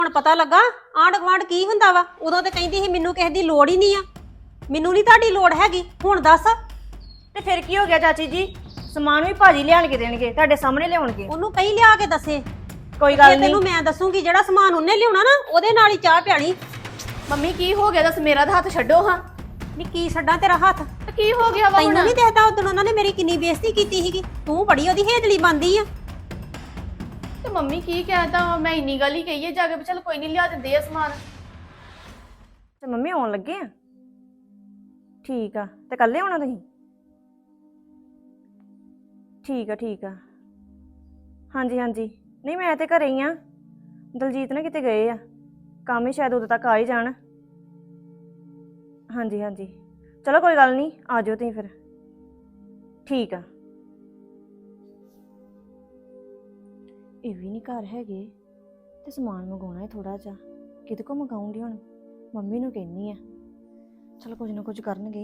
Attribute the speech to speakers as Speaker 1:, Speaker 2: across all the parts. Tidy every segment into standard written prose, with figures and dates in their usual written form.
Speaker 1: ਹੁਣ ਪਤਾ ਲੱਗਾ ਆਂਢ ਗੁਆਂਢ ਕੀ ਹੁੰਦਾ ਵਾ। ਉਦੋਂ ਤੇ ਕਹਿੰਦੀ ਸੀ ਮੈਨੂੰ ਕਿਸੇ ਦੀ ਲੋੜ ਹੀ ਨਹੀਂ ਆ। ਮੈਨੂੰ ਨਹੀਂ ਤੁਹਾਡੀ ਲੋੜ ਹੈਗੀ। ਹੁਣ ਦੱਸ
Speaker 2: ਤੇ ਫਿਰ ਕੀ ਹੋ ਗਿਆ ਚਾਚੀ ਜੀ? ਸਮਾਨ ਵੀ ਭਾਜੀ ਲਿਆਣ ਕੇ ਦੇਣਗੇ, ਤੁਹਾਡੇ ਸਾਹਮਣੇ ਲਿਆਉਣਗੇ।
Speaker 1: ਉਹਨੂੰ ਕਹੀਂ ਲਿਆ ਕੇ ਦੱਸੇ।
Speaker 2: ਕੋਈ ਗੱਲ ਨਹੀਂ,
Speaker 1: ਤੈਨੂੰ ਮੈਂ ਦੱਸੂਗੀ ਜਿਹੜਾ ਸਮਾਨ ਉਹਨੇ ਲਿਆਉਣਾ ਨਾ ਉਹਦੇ ਨਾਲ ਹੀ ਚਾਹ ਪਿਆਣੀ।
Speaker 2: ਮੰਮੀ ਕੀ ਹੋ ਗਿਆ? ਦੱਸ, ਮੇਰਾ ਤਾਂ ਹੱਥ ਛੱਡੋ ਹਾਂ।
Speaker 1: ਨੀ ਕੀ ਛੱਡਾਂ ਤੇਰਾ ਹੱਥ?
Speaker 2: ਤੇ ਕੀ ਹੋ ਗਿਆ ਵਾ?
Speaker 1: ਤੈਨੂੰ ਨਹੀਂ ਦੇਖਦਾ ਉਦੋਂ ਉਹਨਾਂ ਨੇ ਮੇਰੀ ਕਿੰਨੀ ਬੇਇੱਜ਼ਤੀ ਕੀਤੀ ਸੀਗੀ। ਤੂੰ ਬੜੀ ਉਹਦੀ ਹੇਜਲੀ ਬਣਦੀ ਆ।
Speaker 2: ਤੇ ਮੰਮੀ ਕੀ ਕਹਿਤਾ? ਮੈਂ ਇੰਨੀ ਗੱਲ ਹੀ ਕਹੀ ਹੈ ਜਾ ਕੇ, ਚੱਲ ਕੋਈ ਨਹੀਂ ਲਿਆ ਦਿੰਦੇ ਆ ਸਮਾਨ। ਤੇ ਮੰਮੀ ਆਉਣ ਲੱਗੇ ਆ? ਠੀਕ ਆ। ਤੇ ਕੱਲੇ ਆਉਣਾ ਤੁਸੀਂ? ਠੀਕ ਆ। ਹਾਂਜੀ ਨਹੀਂ ਮੈਂ ਤੇ ਘਰੇ ਹੀ ਆ। ਦਲਜੀਤ ਨਾ ਕਿਤੇ ਗਏ ਆ ਕੰਮ ਹੀ, ਸ਼ਾਇਦ ਉਦੋਂ ਤੱਕ ਆ ਹੀ ਜਾਣ। ਹਾਂਜੀ ਚਲੋ ਕੋਈ ਗੱਲ ਨਹੀਂ, ਆ ਜਾਓ ਤੁਸੀਂ ਫਿਰ। ਠੀਕ ਆ। ਇਹ ਵੀ ਨਹੀਂ ਘਰ ਹੈਗੇ ਤੇ ਸਮਾਨ ਮੰਗਾਉਣਾ ਹੈ ਥੋੜਾ ਜਿਹਾ। ਕਿਤੇ ਕੋ ਮੰਗਾਉਂਗੀ ਹੁਣ? ਮੰਮੀ ਨੂੰ ਕਹਿੰਨੀ ਆ, ਚਲ ਕੁਝ ਨਾ ਕੁਝ ਕਰਨਗੇ।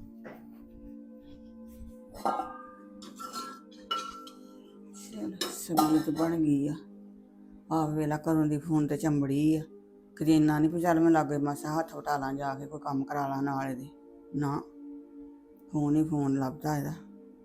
Speaker 3: ਸਬਜ਼ੀ ਤਾਂ ਬਣ ਗਈ ਆ। ਆਪ ਵੇਲਾ ਘਰੋਂ ਦੀ ਫੋਨ ਤੇ ਚੰਬੜੀ ਆ। ਕਦੇ ਇੰਨਾ ਨਹੀਂ ਚੱਲ ਮੈਂ ਲਾਗੇ ਮਾਸਾ ਹੱਥ ਵਟਾ ਲਾਂ, ਜਾ ਕੇ ਕੋਈ ਕੰਮ ਕਰਾ ਲਾਂ ਨਾਲ ਇਹਦੇ। ਨਾ, ਫੋਨ ਹੀ ਫੋਨ ਲੱਭਦਾ ਇਹਦਾ।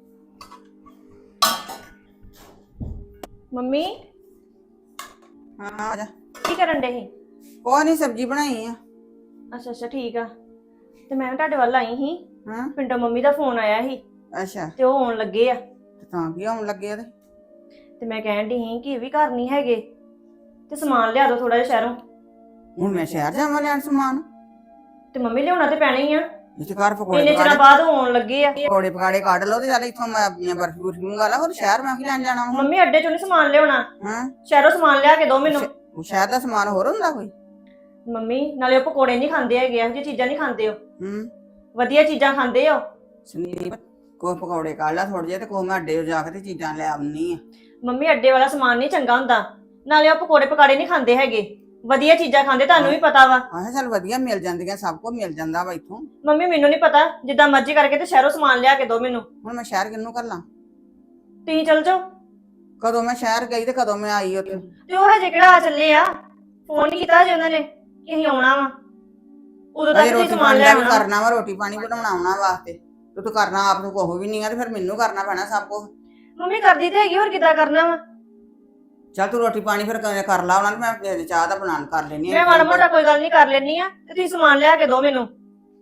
Speaker 2: ਮੰਮੀ
Speaker 3: ਹਾਂ ਆ ਜਾ।
Speaker 2: ਕੀ ਕਰਨ ਡੇ ਸੀ?
Speaker 3: ਕੋਈ ਨਹੀਂ, ਸਬਜ਼ੀ ਬਣਾਈ ਆ।
Speaker 2: ਅੱਛਾ ਠੀਕ ਆ। ਤੇ ਮੈਂ ਤੁਹਾਡੇ ਵੱਲ ਆਈ ਸੀ।
Speaker 3: ਹਾਂ,
Speaker 2: ਪਿੰਡੋਂ ਮੰਮੀ ਦਾ ਫੋਨ ਆਇਆ ਸੀ
Speaker 3: ਅੱਛਾ।
Speaker 2: ਤੇ ਉਹ ਆਉਣ ਲੱਗੇ ਆ।
Speaker 3: ਤੇ ਤਾਂ ਕੀ ਆਉਣ ਲੱਗੇ ਇਹਦੇ?
Speaker 2: ਤੇ ਮੈਂ ਕਹਿਣ ਦੀ ਸੀ ਕਿ ਇਹ ਵੀ ਘਰ ਨਹੀਂ ਹੈਗੇ ਤੇ ਸਮਾਨ ਲਿਆ ਦਿਓ ਥੋੜਾ ਜਿਹਾ ਸ਼ਹਿਰੋਂ।
Speaker 3: ਹੁਣ ਮੈਂ ਸ਼ਹਿਰ ਜਾਵਾਂ ਲੈਣ ਸਮਾਨ?
Speaker 2: ਤੇ ਮੰਮੀ ਲਿਆਉਣਾ ਤੇ ਪੈਣਾ ਹੀ ਆ।
Speaker 3: ਇੱਥੇ ਘਰ ਪਕੌੜੇ
Speaker 2: ਇੰਨੇ ਚਿਰਾਂ ਬਾਅਦ ਉਹ ਆਉਣ ਲੱਗੇ ਆ।
Speaker 3: ਪਕੌੜੇ ਪਕਾੜੇ ਕੱਢ ਲਓ ਤੇ ਚੱਲ ਇੱਥੋਂ ਮੈਂ ਆਪਣੀਆਂ ਬਰਫੀ ਬੁਰਫੀ ਮੰਗਾ ਲਾ। ਹੋਰ ਸ਼ਹਿਰ ਮੈਂ ਕੀ ਲੈਣ ਜਾਣਾ ਹੁਣ?
Speaker 2: ਮੰਮੀ ਅੱਡੇ ਚੋਂ ਨਹੀਂ ਸਮਾਨ ਲਿਆਉਣਾ,
Speaker 3: ਹਾਂ,
Speaker 2: ਸ਼ਹਿਰੋਂ ਸਮਾਨ ਲਿਆ ਕੇ ਦਿਓ ਮੈਨੂੰ।
Speaker 3: ਉਹ ਸ਼ਹਿਰ ਦਾ ਸਮਾਨ ਹੋਰ ਹੁੰਦਾ ਕੋਈ?
Speaker 2: ਮੰਮੀ ਨਾਲੇ ਉਹ ਪਕੌੜੇ ਨਹੀਂ ਖਾਂਦੇ ਹੈਗੇ, ਇਹੋ ਜਿਹੀ ਚੀਜ਼ਾਂ ਨਹੀਂ ਖਾਂਦੇ। ਉਹ ਵਧੀਆ ਚੀਜ਼ਾਂ ਖਾਂਦੇ ਆ।
Speaker 3: ਸੰਦੀਪ, ਕੋਈ ਪਕੌੜੇ ਕੱਢ ਲਾ ਥੋੜੇ ਜਿਹੇ ਤੇ ਕੋਈ ਮੈਂ ਅੱਡੇ ਜਾ ਕੇ ਤੇ ਚੀਜ਼ਾਂ ਲੈ ਆਉਣੀ ਆ।
Speaker 2: ਮੰਮੀ ਅੱਡੇ ਵਾਲਾ ਸਮਾਨ ਨਹੀਂ ਚੰਗਾ ਹੁੰਦਾ, ਨਾਲੇ ਉਹ ਪਕੌੜੇ ਪਕਾੜੇ ਨਹੀਂ ਖਾਂਦੇ ਹੈਗੇ, ਵਧੀਆ ਚੀਜ਼ਾਂ ਖਾਂਦੇ, ਤੁਹਾਨੂੰ ਵੀ ਪਤਾ ਵਾ।
Speaker 3: ਆਹ ਚੱਲ ਵਧੀਆ ਮਿਲ ਜਾਂਦੀਆਂ, ਸਭ ਕੁਝ ਮਿਲ ਜਾਂਦਾ ਵਾ ਇੱਥੋਂ।
Speaker 2: ਮੰਮੀ ਮੈਨੂੰ ਨਹੀਂ ਪਤਾ, ਜਿੱਦਾਂ ਮਰਜ਼ੀ ਕਰਕੇ ਤੇ ਸ਼ਹਿਰੋਂ ਸਮਾਨ ਲਿਆ ਕੇ ਦਿਓ ਮੈਨੂੰ।
Speaker 3: ਹੁਣ ਮੈਂ ਸ਼ਹਿਰ ਕਿਹਨੂੰ ਘੱਲਾਂ?
Speaker 2: ਤੁਸੀਂ ਚਲ ਜਾਓ।
Speaker 3: ਕਦੋਂ ਮੈਂ ਸ਼ਹਿਰ ਗਈ ਤੇ ਕਦੋਂ ਮੈਂ ਆਈ ਉੱਥੇ?
Speaker 2: ਤੇ ਉਹ ਹਜੇ ਕਿਹੜਾ ਆ ਚੱਲੇ ਆ? ਫੋਨ ਨਹੀਂ ਕੀਤਾ ਹਜੇ ਉਹਨਾਂ ਨੇ ਕਿ ਅਸੀਂ ਆਉਣਾ ਵਾ। ਉਦੋਂ ਤੱਕ
Speaker 3: ਅਜੇ
Speaker 2: ਤੁਸੀਂ
Speaker 3: ਰੋਟੀ
Speaker 2: ਸਮਾਨ
Speaker 3: ਪਾਣੀ
Speaker 2: ਲੈ
Speaker 3: ਦਾ ਵੀ
Speaker 2: ਆਉਣਾ।
Speaker 3: ਕਰਨਾ ਵਾ, ਰੋਟੀ ਪਾਣੀ ਬਣਾਉਣਾ ਆਉਣਾ ਵਾਸਤੇ ਤੇ ਤੂੰ ਕਰਨਾ ਆਪ ਨੂੰ ਕੁਛ ਵੀ ਨਹੀਂ ਆ ਤੇ ਫਿਰ ਮੈਨੂੰ ਕਰਨਾ ਪੈਣਾ ਸਭ ਕੁਝ।
Speaker 2: ਮੰਮੀ ਕਰਦੀ ਤੇ ਹੈਗੀ, ਹੋਰ ਕਿੱਦਾਂ ਕਰਨਾ ਵਾ?
Speaker 3: ਚੱਲ ਤੂੰ ਰੋਟੀ ਪਾਣੀ ਫਿਰ ਕਰ ਲਾ ਉਹਨਾਂ ਨੂੰ, ਮੈਂ ਚਾਹ ਦਾ ਬਣਾਉਣ ਕਰ ਲੈਣੀ
Speaker 2: ਮੈਂ ਮਾੜਾ ਮੋਟਾ ਕੋਈ ਗੱਲ ਨਹੀਂ ਕਰ ਲੈਣੀ ਆ, ਤੇ ਤੁਸੀਂ ਸਮਾਨ ਲਿਆ ਕੇ ਦਿਓ ਮੈਨੂੰ।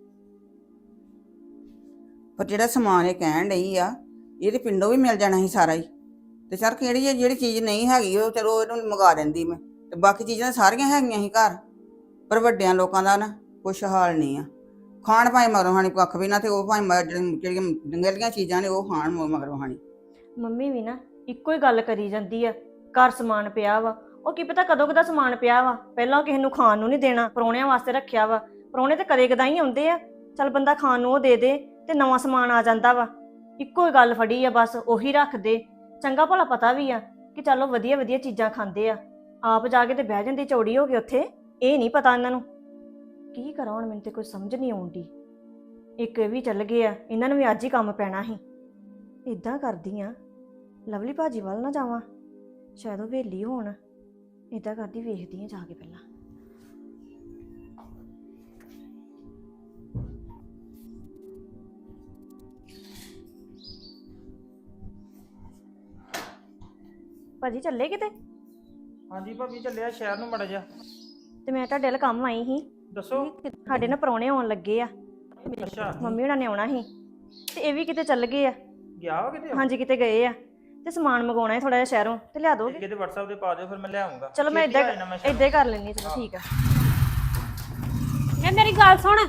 Speaker 3: ਪਰ ਜਿਹੜਾ ਸਮਾਨ ਇਹ ਕਹਿਣ ਡਈ ਆ, ਇਹ ਤੇ ਪਿੰਡੋਂ ਵੀ ਮਿਲ ਜਾਣਾ ਸੀ ਸਾਰਾ ਹੀ। ਤੇ ਸਰ ਜਿਹੜੀ ਚੀਜ਼ ਨਹੀਂ ਹੈਗੀ ਉਹ ਚਲੋ ਇਹਨੂੰ ਮੰਗਾ ਦਿੰਦੀ ਮੈਂ, ਤੇ ਬਾਕੀ ਚੀਜ਼ਾਂ ਸਾਰੀਆਂ ਹੈਗੀਆਂ ਸੀ ਘਰ। ਪਰ ਵੱਡਿਆਂ ਲੋਕਾਂ ਦਾ ਨਾ ਕੁਛ ਹਾਲ ਨਹੀਂ ਆ। ਖਾਣ ਭਾਵੇਂ ਮਗਰੋਂ ਖਾਣੀ ਕੱਖ ਵੀ ਨਾ, ਤੇ ਉਹ ਭਾਵੇਂ ਜਿਹੜੀਆਂ ਡੰਗੇਲੀਆਂ ਚੀਜ਼ਾਂ ਨੇ ਉਹ ਖਾਣ ਮਗਰੋਂ ਖਾਣੀ।
Speaker 2: ਮੰਮੀ ਵੀ ਨਾ ਇੱਕੋ ਹੀ ਗੱਲ ਕਰੀ ਜਾਂਦੀ ਆ, ਘਰ ਸਮਾਨ ਪਿਆ ਵਾ। ਉਹ ਕੀ ਪਤਾ ਕਦੋਂ ਕਦਾ ਸਮਾਨ ਪਿਆ ਵਾ, ਪਹਿਲਾਂ ਕਿਸੇ ਨੂੰ ਖਾਣ ਨੂੰ ਨਹੀਂ ਦੇਣਾ, ਪਰੌਣਿਆਂ ਵਾਸਤੇ ਰੱਖਿਆ ਵਾ। ਪਰੌਣੇ ਤੇ ਕਦੇ ਕਦਾਂ ਹੀ ਆਉਂਦੇ ਆ, ਚੱਲ ਬੰਦਾ ਖਾਣ ਨੂੰ ਉਹ ਦੇ ਦੇ ਤੇ ਨਵਾਂ ਸਮਾਨ ਆ ਜਾਂਦਾ ਵਾ। ਇੱਕੋ ਹੀ ਗੱਲ ਫੜੀ ਆ ਬਸ, ਉਹੀ ਰੱਖ ਦੇ। ਚੰਗਾ ਭਲਾ ਪਤਾ ਵੀ ਆ ਕਿ ਚਲੋ ਵਧੀਆ ਚੀਜ਼ਾਂ ਖਾਂਦੇ ਆ, ਆਪ ਜਾ ਕੇ ਤੇ ਬਹਿ ਜਾਂਦੀ ਚੌੜੀ ਹੋ ਕੇ ਉੱਥੇ। ਇਹ ਨਹੀਂ ਪਤਾ ਇਹਨਾਂ ਨੂੰ। ਕੀ ਕਰਾਂ ਹੁਣ, ਮੈਨੂੰ ਤੇ ਕੋਈ ਸਮਝ ਨਹੀਂ ਆਉਂਦੀ। ਇੱਕ ਇਹ ਵੀ ਚੱਲ ਗਏ ਆ, ਇਹਨਾਂ ਨੂੰ ਵੀ ਅੱਜ ਹੀ ਕੰਮ ਪੈਣਾ ਸੀ। ਇਦਾਂ ਕਰਦੀ ਆ, ਲਵਲੀ ਭਾਜੀ ਵੱਲ ਨਾ ਜਾਵਾਂ, ਸ਼ਾਇਦ ਉਹ ਵੇਲੀ ਹੋਣ। ਇਦਾਂ ਕਰਦੀ, ਵੇਖਦੀ ਆ ਜਾ ਕੇ ਪਹਿਲਾਂ। ਭਾਜੀ ਚੱਲੇ ਕਿਤੇ?
Speaker 4: ਹਾਂਜੀ ਭਾਬੀ ਚੱਲਿਆ ਸ਼ਹਿਰ ਨੂੰ ਮੜਾ ਜਾ।
Speaker 2: ਤੇ ਮੈਂ ਤੁਹਾਡੇ ਵੱਲ ਕੰਮ ਆਈ ਸੀ।
Speaker 4: ਦੱਸੋ।
Speaker 2: ਸਾਡੇ ਨਾ ਪ੍ਰਾਹੁਣੇ ਆਉਣ ਲੱਗੇ ਆ,
Speaker 4: ਅੱਛਾ,
Speaker 2: ਮੰਮੀ ਹੁਣਾਂ ਨੇ ਆਉਣਾ ਸੀ ਤੇ ਇਹ ਵੀ ਕਿਤੇ ਚੱਲ ਗਏ ਆ।
Speaker 4: ਗਿਆ ਵਾ ਕਿਤੇ?
Speaker 2: ਹਾਂਜੀ ਕਿਤੇ ਗਏ ਆ, ਤੇ ਸਮਾਨ ਮੰਗਵਾਉਣਾ ਹੈ ਥੋੜਾ ਜਿਹਾ ਸ਼ਹਿਰੋਂ, ਤੇ ਲਿਆ ਦੋਗੇ?
Speaker 4: ਕਿਤੇ WhatsApp ਤੇ ਪਾ ਦਿਓ, ਫਿਰ ਮੈਂ ਲੈ ਆਉਂਗਾ।
Speaker 2: ਚਲੋ ਮੈਂ ਇਦਾਂ ਹੀ ਕਰ ਲੈਂਦੀ। ਚਲੋ ਠੀਕ ਆ।
Speaker 1: ਇਹ ਮੇਰੀ ਗੱਲ ਸੁਣ,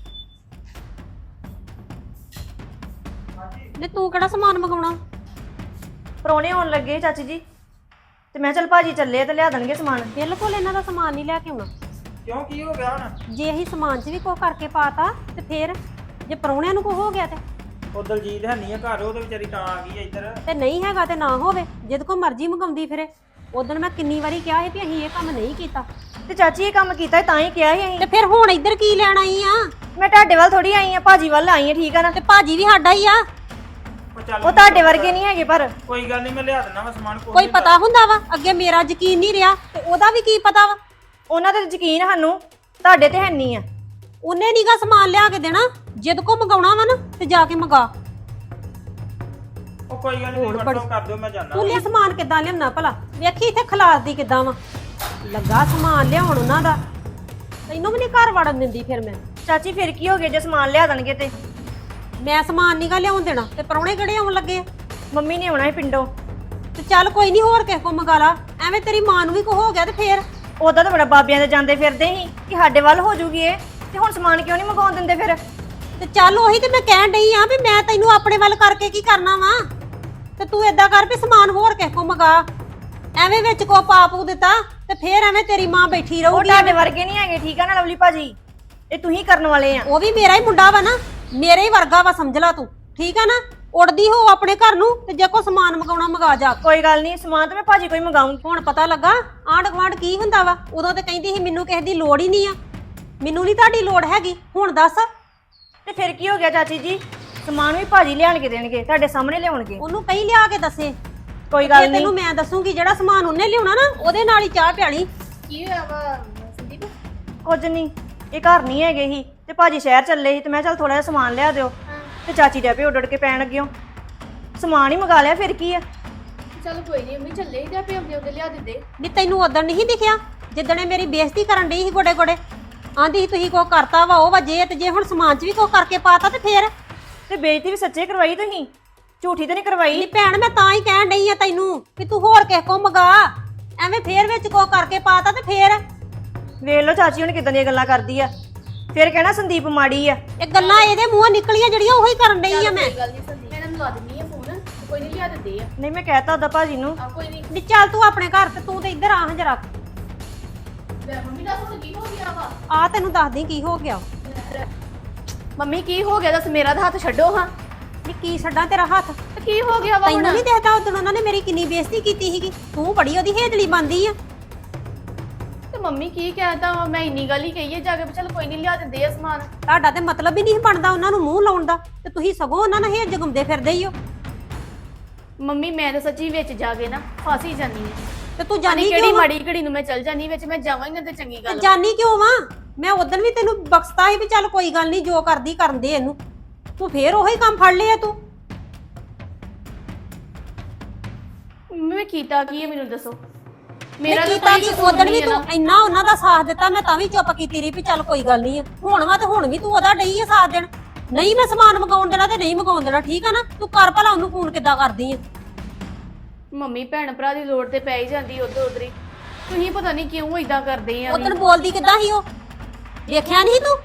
Speaker 1: ਨੇ ਤੂੰ ਕਿਹੜਾ ਸਮਾਨ ਮੰਗਾਉਣਾ?
Speaker 2: ਪ੍ਰਾਹੁਣੇ ਆਉਣ ਲੱਗੇ ਚਾਚੀ ਜੀ, ਤੇ ਮੈਂ ਚੱਲ ਭਾਜੀ ਚੱਲੇ ਆ ਤੇ ਲਿਆ ਦੇਣਗੇ ਸਮਾਨ।
Speaker 1: ਬਿਲਕੁਲ ਇਹਨਾਂ ਦਾ ਸਮਾਨ ਨਹੀਂ ਲੈ ਕੇ ਆਉਣਾ।
Speaker 4: ਕਿਉਂ, ਕੀ ਹੋ ਗਿਆ ਹੁਣ?
Speaker 1: ਜੇ ਅਸੀਂ ਸਮਾਨ 'ਚ ਵੀ ਕੁਛ ਕਰਕੇ ਪਾਤਾ ਤੇ ਫੇਰ ਜੇ ਪਰੌਣਿਆਂ ਨੂੰ ਕੁਛ ਹੋ ਗਿਆ ਤੇ
Speaker 4: ਉਹ ਦਲਜੀਤ ਹੈ ਨਹੀਂ ਆ ਘਰ, ਉਹ ਤੇ ਵਿਚਾਰੀ ਤਾਂ ਆ ਗਈ ਆ ਇੱਧਰ।
Speaker 1: ਤੇ ਨਹੀਂ ਹੈਗਾ ਤੇ ਨਾ ਹੋਵੇ, ਜਦ ਕੋ ਮਰਜ਼ੀ ਮੰਗਾਉਂਦੀ ਫਿਰੇ। ਉਦੋਂ ਮੈਂ ਕਿੰਨੀ ਵਾਰੀ ਕਿਹਾ ਸੀ ਵੀ ਅਸੀਂ ਇਹ ਕੰਮ ਨਹੀਂ ਕੀਤਾ।
Speaker 2: ਤੇ ਚਾਚੀ ਇਹ ਕੰਮ ਕੀਤਾ ਤਾਂ ਹੀ ਕਿਹਾ ਸੀ ਅਸੀਂ।
Speaker 1: ਤੇ ਫਿਰ ਹੁਣ ਇੱਧਰ ਕੀ ਲੈਣ ਆਈ ਆ?
Speaker 2: ਮੈਂ ਤੁਹਾਡੇ ਵੱਲ ਥੋੜੀ ਆਈ ਆ, ਭਾਜੀ ਵੱਲ ਆਈ ਆ, ਠੀਕ ਆ ਨਾ?
Speaker 1: ਤੇ ਭਾਜੀ ਵੀ ਸਾਡਾ ਹੀ ਆ।
Speaker 2: ਉਹ ਤੁਹਾਡੇ ਵਰਗੇ ਨਹੀਂ ਹੈਗੇ। ਪਰ
Speaker 4: ਕੋਈ ਗੱਲ ਨਹੀਂ, ਮੈਂ ਲਿਆ ਦਿੰਦਾ ਵਾ ਸਮਾਨ।
Speaker 1: ਕੋਈ ਪਤਾ ਹੁੰਦਾ ਵਾ? ਅੱਗੇ ਮੇਰਾ ਯਕੀਨ ਨਹੀਂ ਰਿਹਾ ਤੇ ਉਹਦਾ ਵੀ ਕੀ ਪਤਾ ਵਾ?
Speaker 2: ਉਹਨਾਂ ਤੇ ਯਕੀਨ ਸਾਨੂੰ, ਤੁਹਾਡੇ ਤੇ ਹੈ ਨਹੀਂ ਆ।
Speaker 1: ਉਹਨੇ ਨੀਗਾ ਸਮਾਨ ਲਿਆ ਕੇ ਦੇਣਾ, ਜਿੱਦ ਕੋ ਮੰਗਾਉਣਾ ਵਾ ਨਾ ਤੇ ਜਾ ਕੇ ਮੰਗਾ।
Speaker 4: ਉਹ ਕੋਈ ਗੱਲ ਨਹੀਂ,
Speaker 1: ਹੋਰ
Speaker 4: ਵਟਸਐਪ ਕਰ ਦਿਓ, ਮੈਂ ਜਾਣਾ।
Speaker 1: ਤੂੰ ਲਿਆ ਸਮਾਨ ਕਿੱਦਾਂ ਲਿਆਉਣਾ ਭਲਾ? ਵੇਖੀ ਇੱਥੇ ਖਲਾਰਦੀ ਕਿੱਦਾਂ ਵਾ, ਲੱਗਾ ਸਮਾਨ ਲਿਆਉਣ ਉਹਨਾਂ ਦਾ। ਤੈਨੂੰ ਵੀ ਨਹੀਂ ਘਰ ਵੜਨ ਦਿੰਦੀ ਫਿਰ ਮੈਂ।
Speaker 2: ਚਾਚੀ ਫਿਰ ਕੀ ਹੋ ਗਿਆ ਜੇ ਸਮਾਨ ਲਿਆ ਦੇਣਗੇ ਤੇ?
Speaker 1: ਮੈਂ ਸਮਾਨ ਨੀਗਾ ਲਿਆਉਣ ਦੇਣਾ ਤੇ ਪਰੌਣੇ ਕਿਹੜੇ ਆਉਣ ਲੱਗੇ ਆ?
Speaker 2: ਮੰਮੀ ਨੇ ਆਉਣਾ ਹੈ ਪਿੰਡੋਂ।
Speaker 1: ਤੇ ਚੱਲ ਕੋਈ ਨਹੀਂ, ਹੋਰ ਕਿਸੇ ਕੋ ਮੰਗਾ ਲਾ। ਐਵੇਂ ਤੇਰੀ ਮਾਂ ਨੂੰ ਵੀ ਕੋ ਹੋ ਗਿਆ ਤੇ ਫੇਰ?
Speaker 2: ਉਦਾਂ ਤਾਂ ਬੜਾ ਬਾਬਿਆਂ ਦੇ ਜਾਂਦੇ ਫਿਰਦੇ ਸੀ ਕਿ ਸਾਡੇ ਵੱਲ ਹੋ ਜੂਗੀ ਇਹ, ਤੇ ਹੁਣ ਸਮਾਨ ਕਿਉਂ ਨਹੀਂ ਮੰਗਾਉਣ ਦਿੰਦੇ ਫਿਰ?
Speaker 1: ਤੇ ਚੱਲ ਉਹੀ ਤੇ ਮੈਂ ਕਹਿਣ ਡਈ ਆ ਵੀ ਮੈਂ ਤੈਨੂੰ ਆਪਣੇ ਵੱਲ ਕਰਕੇ ਕੀ ਕਰਨਾ ਵਾ। ਤੇ ਤੂੰ ਏਦਾਂ ਕਰ ਵੀ ਸਮਾਨ ਹੋਰ ਕਿਸੇ ਕੋ ਮੰਗਾ। ਐਵੇਂ ਵਿੱਚ ਕੋ ਪਾਪੂ ਦਿੱਤਾ ਤੇ ਫੇਰ ਐਵੇਂ ਤੇਰੀ ਮਾਂ ਬੈਠੀ
Speaker 2: ਉਹ
Speaker 1: ਰਹੂਗੀ।
Speaker 2: ਤੁਹਾਡੇ ਵਰਗੇ ਨਹੀਂ ਹੈਗੇ, ਠੀਕ ਆ ਨਾ ਲਵਲੀ ਭਾਜੀ? ਇਹ ਤੁਸੀਂ ਕਰਨ ਵਾਲੇ ਆ।
Speaker 1: ਉਹ ਵੀ ਮੇਰਾ ਹੀ ਮੁੰਡਾ ਵਾ ਨਾ, ਮੇਰੇ ਹੀ ਵਰਗਾ ਵਾ, ਸਮਝ ਲਾ ਤੂੰ। ਠੀਕ ਆ ਨਾ? ਉੜਦੀ ਹੋ ਆਪਣੇ ਘਰ ਨੂੰ, ਤੇ ਜੇ ਕੋ ਸਮਾਨ ਮੰਗਾਉਣਾ ਮੰਗਾ ਜਾ।
Speaker 2: ਕੋਈ ਗੱਲ ਨਹੀਂ, ਸਮਾਨ ਤਾਂ ਮੈਂ ਭਾਜੀ ਕੋਈ ਮੰਗਾਉਂਗੀ।
Speaker 1: ਹੁਣ ਪਤਾ ਲੱਗਾ ਆਂਢ ਗੁਆਂਢ ਕੀ ਹੁੰਦਾ ਵਾ। ਉਦੋਂ ਤੇ ਕਹਿੰਦੀ ਸੀ ਮੈਨੂੰ ਕਿਸੇ ਦੀ ਲੋੜ ਹੀ ਨਹੀਂ ਆ, ਮੈਨੂੰ ਨਹੀਂ ਤੁਹਾਡੀ ਲੋੜ ਹੈਗੀ। ਹੁਣ ਦੱਸ
Speaker 2: ਤੇ ਫਿਰ ਕੀ ਹੋ ਗਿਆ ਚਾਚੀ ਜੀ? ਸਮਾਨ ਵੀ ਭਾਜੀ ਲਿਆਣ ਕੇ ਦੇਣਗੇ, ਤੁਹਾਡੇ ਸਾਹਮਣੇ ਲਿਆਉਣਗੇ।
Speaker 1: ਉਹਨੂੰ ਕਹੀ ਲਿਆ ਕੇ ਦੱਸੇ।
Speaker 2: ਕੋਈ ਗੱਲ
Speaker 1: ਜੇ
Speaker 2: ਨਹੀਂ,
Speaker 1: ਤੈਨੂੰ ਮੈਂ ਦੱਸੂਗੀ ਜਿਹੜਾ ਸਮਾਨ ਉਹਨੇ ਲਿਆਉਣਾ ਨਾ, ਉਹਦੇ ਨਾਲ ਹੀ ਚਾਹ ਪਿਆਲੀ।
Speaker 5: ਕੀ ਹੋਇਆ ਵਾ ਸੰਦੀਪ?
Speaker 2: ਕੁਝ ਨਹੀਂ, ਇਹ ਘਰ ਨਹੀਂ ਹੈਗੇ ਸੀ ਤੇ ਭਾਜੀ ਸ਼ਹਿਰ ਚੱਲੇ ਸੀ ਤੇ ਮੈਂ ਚੱਲ ਥੋੜਾ ਜਿਹਾ ਸਮਾਨ ਲਿਆ ਦਿਓ। ਤੇ ਚਾਚੀ ਦੇ ਆਪੇ ਉੱਡ ਕੇ ਪੈਣ ਲੱਗਿਓ, ਸਮਾਨ ਹੀ ਮੰਗਾ ਲਿਆ, ਫਿਰ ਕੀ ਆ।
Speaker 5: ਚਲ ਕੋਈ ਨਹੀਂ, ਮੰਮੀ ਚੱਲੇ ਹੀ ਤੇ ਆਪੇ ਉਹਦੇ ਲਿਆ ਦਿੰਦੇ।
Speaker 1: ਨਹੀਂ ਤੈਨੂੰ ਉਦੋਂ ਨਹੀਂ ਦਿਖਿਆ ਜਿੱਦਣੇ ਮੇਰੀ ਬੇਇੱਜ਼ਤੀ ਕਰਨ ਡਈ ਸੀ ਗੋਡੇ ਗੋਡੇ? ਆਂਦੀ ਸੀ ਤੁਸੀਂ ਕੋ ਕਰਤਾ ਵਾ ਉਹ ਵਾ ਜੇ, ਤੇ ਜੇ ਹੁਣ ਸਮਾਨ 'ਚ ਵੀ ਕੋ ਕਰਕੇ ਪਾਤਾ ਤੇ ਫੇਰ?
Speaker 2: ਤੇ ਬੇਇੱਜ਼ਤੀ ਵੀ ਸੱਚੇ ਕਰਵਾਈ ਤੁਸੀਂ, ਝੂਠੀ ਤਾਂ ਨਹੀਂ ਕਰਵਾਈ।
Speaker 1: ਨਹੀਂ ਭੈਣ, ਮੈਂ ਤਾਂ ਹੀ ਕਹਿਣ ਡਈ ਆ ਤੈਨੂੰ ਵੀ ਤੂੰ ਹੋਰ ਕਿਸੇ ਕੋ ਮੰਗਾ। ਐਵੇਂ ਫੇਰ ਵਿੱਚ ਕੋ ਕਰਕੇ ਪਾਤਾ ਤੇ ਫੇਰ?
Speaker 2: ਵੇਖ ਲਓ ਚਾਚੀ ਹੁਣ ਕਿਦਾਂ ਦੀਆਂ ਗੱਲਾਂ ਕਰਦੀ ਆ, ਫਿਰ ਕਹਿਣਾ ਸੰਦੀਪ ਮਾੜੀ ਆ।
Speaker 1: ਇਹ ਗੱਲਾਂ ਇਹਦੇ ਮੂੰਹੋਂ ਨਿਕਲੀਆਂ ਜਿਹੜੀਆਂ ਉਹੀ ਕਰਨ ਡਈ ਆ ਮੈਂ।
Speaker 5: ਕੋਈ ਗੱਲ ਨਹੀਂ ਸੰਦੀਪ, ਮੈਂ ਇਹਨਾਂ ਨੂੰ ਲਾ ਦਿੰਨੀ ਆ ਫੋਨ, ਕੋਈ ਨਹੀਂ ਲਿਆ ਦਿੰਦੇ ਆ।
Speaker 2: ਨਹੀਂ ਮੈਂ ਕਹਿਤਾ ਉਹਦਾ ਭਾਜੀ ਨੂੰ।
Speaker 5: ਆ ਕੋਈ ਨਹੀਂ।
Speaker 1: ਨੀ ਚੱਲ ਤੂੰ ਆਪਣੇ ਘਰ, ਤੇ ਤੂੰ ਤੇ ਇੱਧਰ ਆ ਹਾਂ ਜਰਾ।
Speaker 5: ਲੈ ਮੰਮੀ ਦੱਸ ਹੁਣ ਕੀ ਹੋ ਗਿਆ ਵਾ?
Speaker 1: ਆ ਤੈਨੂੰ ਦੱਸਦੀ ਕੀ ਹੋ ਗਿਆ।
Speaker 5: ਮੰਮੀ ਕੀ ਹੋ ਗਿਆ ਦੱਸ, ਮੇਰਾ ਤਾਂ ਹੱਥ ਛੱਡੋ ਹਾਂ।
Speaker 1: ਨੀ ਕੀ ਛੱਡਾਂ ਤੇਰਾ ਹੱਥ?
Speaker 5: ਤੇ ਕੀ ਹੋ ਗਿਆ ਵਾ
Speaker 1: ਤੈਨੂੰ
Speaker 5: ਹੁਣ?
Speaker 1: ਨਹੀਂ ਦੇਖਦਾ ਉਦੋਂ ਉਹਨਾਂ ਨੇ ਮੇਰੀ ਕਿੰਨੀ ਬੇਇੱਜ਼ਤੀ ਕੀਤੀ ਸੀਗੀ? ਤੂੰ ਬੜੀ ਉਹਦੀ ਹੇਜਲੀ ਬਣਦੀ ਆ।
Speaker 5: ਤੇ ਮੰਮੀ ਕੀ ਕਹਿਤਾ ਵਾ? ਮੈਂ ਇੰਨੀ ਗੱਲ ਹੀ ਕਹੀ ਹੈ ਜਾ ਕੇ, ਚਲ ਕੋਈ ਨਹੀਂ ਲਿਆ ਦਿੰਦੇ ਆ ਸਮਾਨ।
Speaker 1: ਤੁਹਾਡਾ ਤੇ ਮਤਲਬ ਹੀ ਨਹੀਂ ਬਣਦਾ ਉਹਨਾਂ ਨੂੰ ਮੂੰਹ ਲਾਉਣ ਦਾ, ਤੇ ਤੁਸੀਂ ਸਗੋਂ ਉਹਨਾਂ ਨਾਲ ਹੇਜ ਜਗਮਦੇ ਫਿਰਦੇ ਹੀ ਹੋ।
Speaker 5: ਮੰਮੀ ਮੈਂ ਤਾਂ ਸੱਚੀ ਵਿੱਚ ਜਾ ਕੇ ਨਾ ਫਸ ਹੀ ਜਾਨੀ ਆ।
Speaker 1: ਤੇ ਤੂੰ ਜਾਨੀ
Speaker 5: ਕਿਹੜੀ
Speaker 1: ਕਿਉਂ?
Speaker 5: ਮਾੜੀ ਘੜੀ ਨੂੰ ਮੈਂ ਚੱਲ ਜਾਨੀ ਵਿੱਚ, ਮੈਂ ਜਾਵਾਂ ਹੀ ਨਾ ਤੇ ਚੰਗੀ ਗੱਲ ਵਾ।
Speaker 1: ਜਾਨੀ ਕਿਉਂ ਵਾ? ਮੈਂ ਉਦੋਂ ਵੀ ਤੈਨੂੰ ਬਖਸ਼ਤਾ ਸੀ ਵੀ ਚੱਲ ਕੋਈ ਗੱਲ ਨਹੀਂ, ਜੋ ਕਰਦੀ ਕਰਨ ਦੇ ਇਹਨੂੰ। ਤੂੰ ਫੇਰ ਉਹੀ ਕੰਮ ਫੜ ਲਿਆ ਤੂੰ।
Speaker 5: ਮੰਮੀ ਮੈਂ ਕੀਤਾ ਕੀ ਹੈ ਮੈਨੂੰ ਦੱਸੋ?
Speaker 1: ਮੇਰਾ
Speaker 5: ਤਾਂ
Speaker 1: ਕੀਤਾ
Speaker 5: ਕੋਈ
Speaker 1: ਕਿ
Speaker 5: ਕਸੂਰ
Speaker 1: ਉਦੋਂ ਵੀ
Speaker 5: ਨਹੀਂ ਹੈ
Speaker 1: ਤੂੰ
Speaker 5: ਨਾ।
Speaker 1: ਇੰਨਾ ਉਹਨਾਂ ਦਾ ਸਾਥ ਦਿੱਤਾ, ਮੈਂ ਤਾਂ ਵੀ ਚੁੱਪ ਕੀਤੀ ਰਹੀ ਵੀ ਚੱਲ ਕੋਈ ਗੱਲ ਨਹੀਂ ਆ। ਹੁਣ ਵਾ ਤੇ ਹੁਣ ਵੀ ਤੂੰ ਉਹਦਾ ਡਈ ਆ ਸਾਥ ਦੇਣ। ਨਹੀਂ ਮੈਂ ਸਮਾਨ ਮੰਗਾਉਣ ਦੇਣਾ ਤੇ ਨਹੀਂ ਮੰਗਾਉਣ ਦੇਣਾ, ਠੀਕ ਆ ਨਾ? ਤੂੰ ਕਰ ਭਲਾ ਉਹਨੂੰ ਫੋਨ ਕਿੱਦਾਂ ਕਰਦੀ ਆ?
Speaker 5: ਮੰਮੀ ਭੈਣ ਭਰਾ ਦੀ ਲੋੜ ਤੇ ਪੈ ਹੀ ਜਾਂਦੀ ਉਧਰ ਉਧਰ ਹੀ। ਤੁਸੀਂ ਪਤਾ ਨਹੀਂ ਕਿਉਂ ਇਦਾਂ ਕਰਦੇ ਆ।
Speaker 1: ਉਦੋਂ ਬੋਲਦੀ ਕਿੱਦਾਂ ਸੀ ਉਹ? ਦੇਖਿਆ ਨਹੀਂ ਤੂੰ?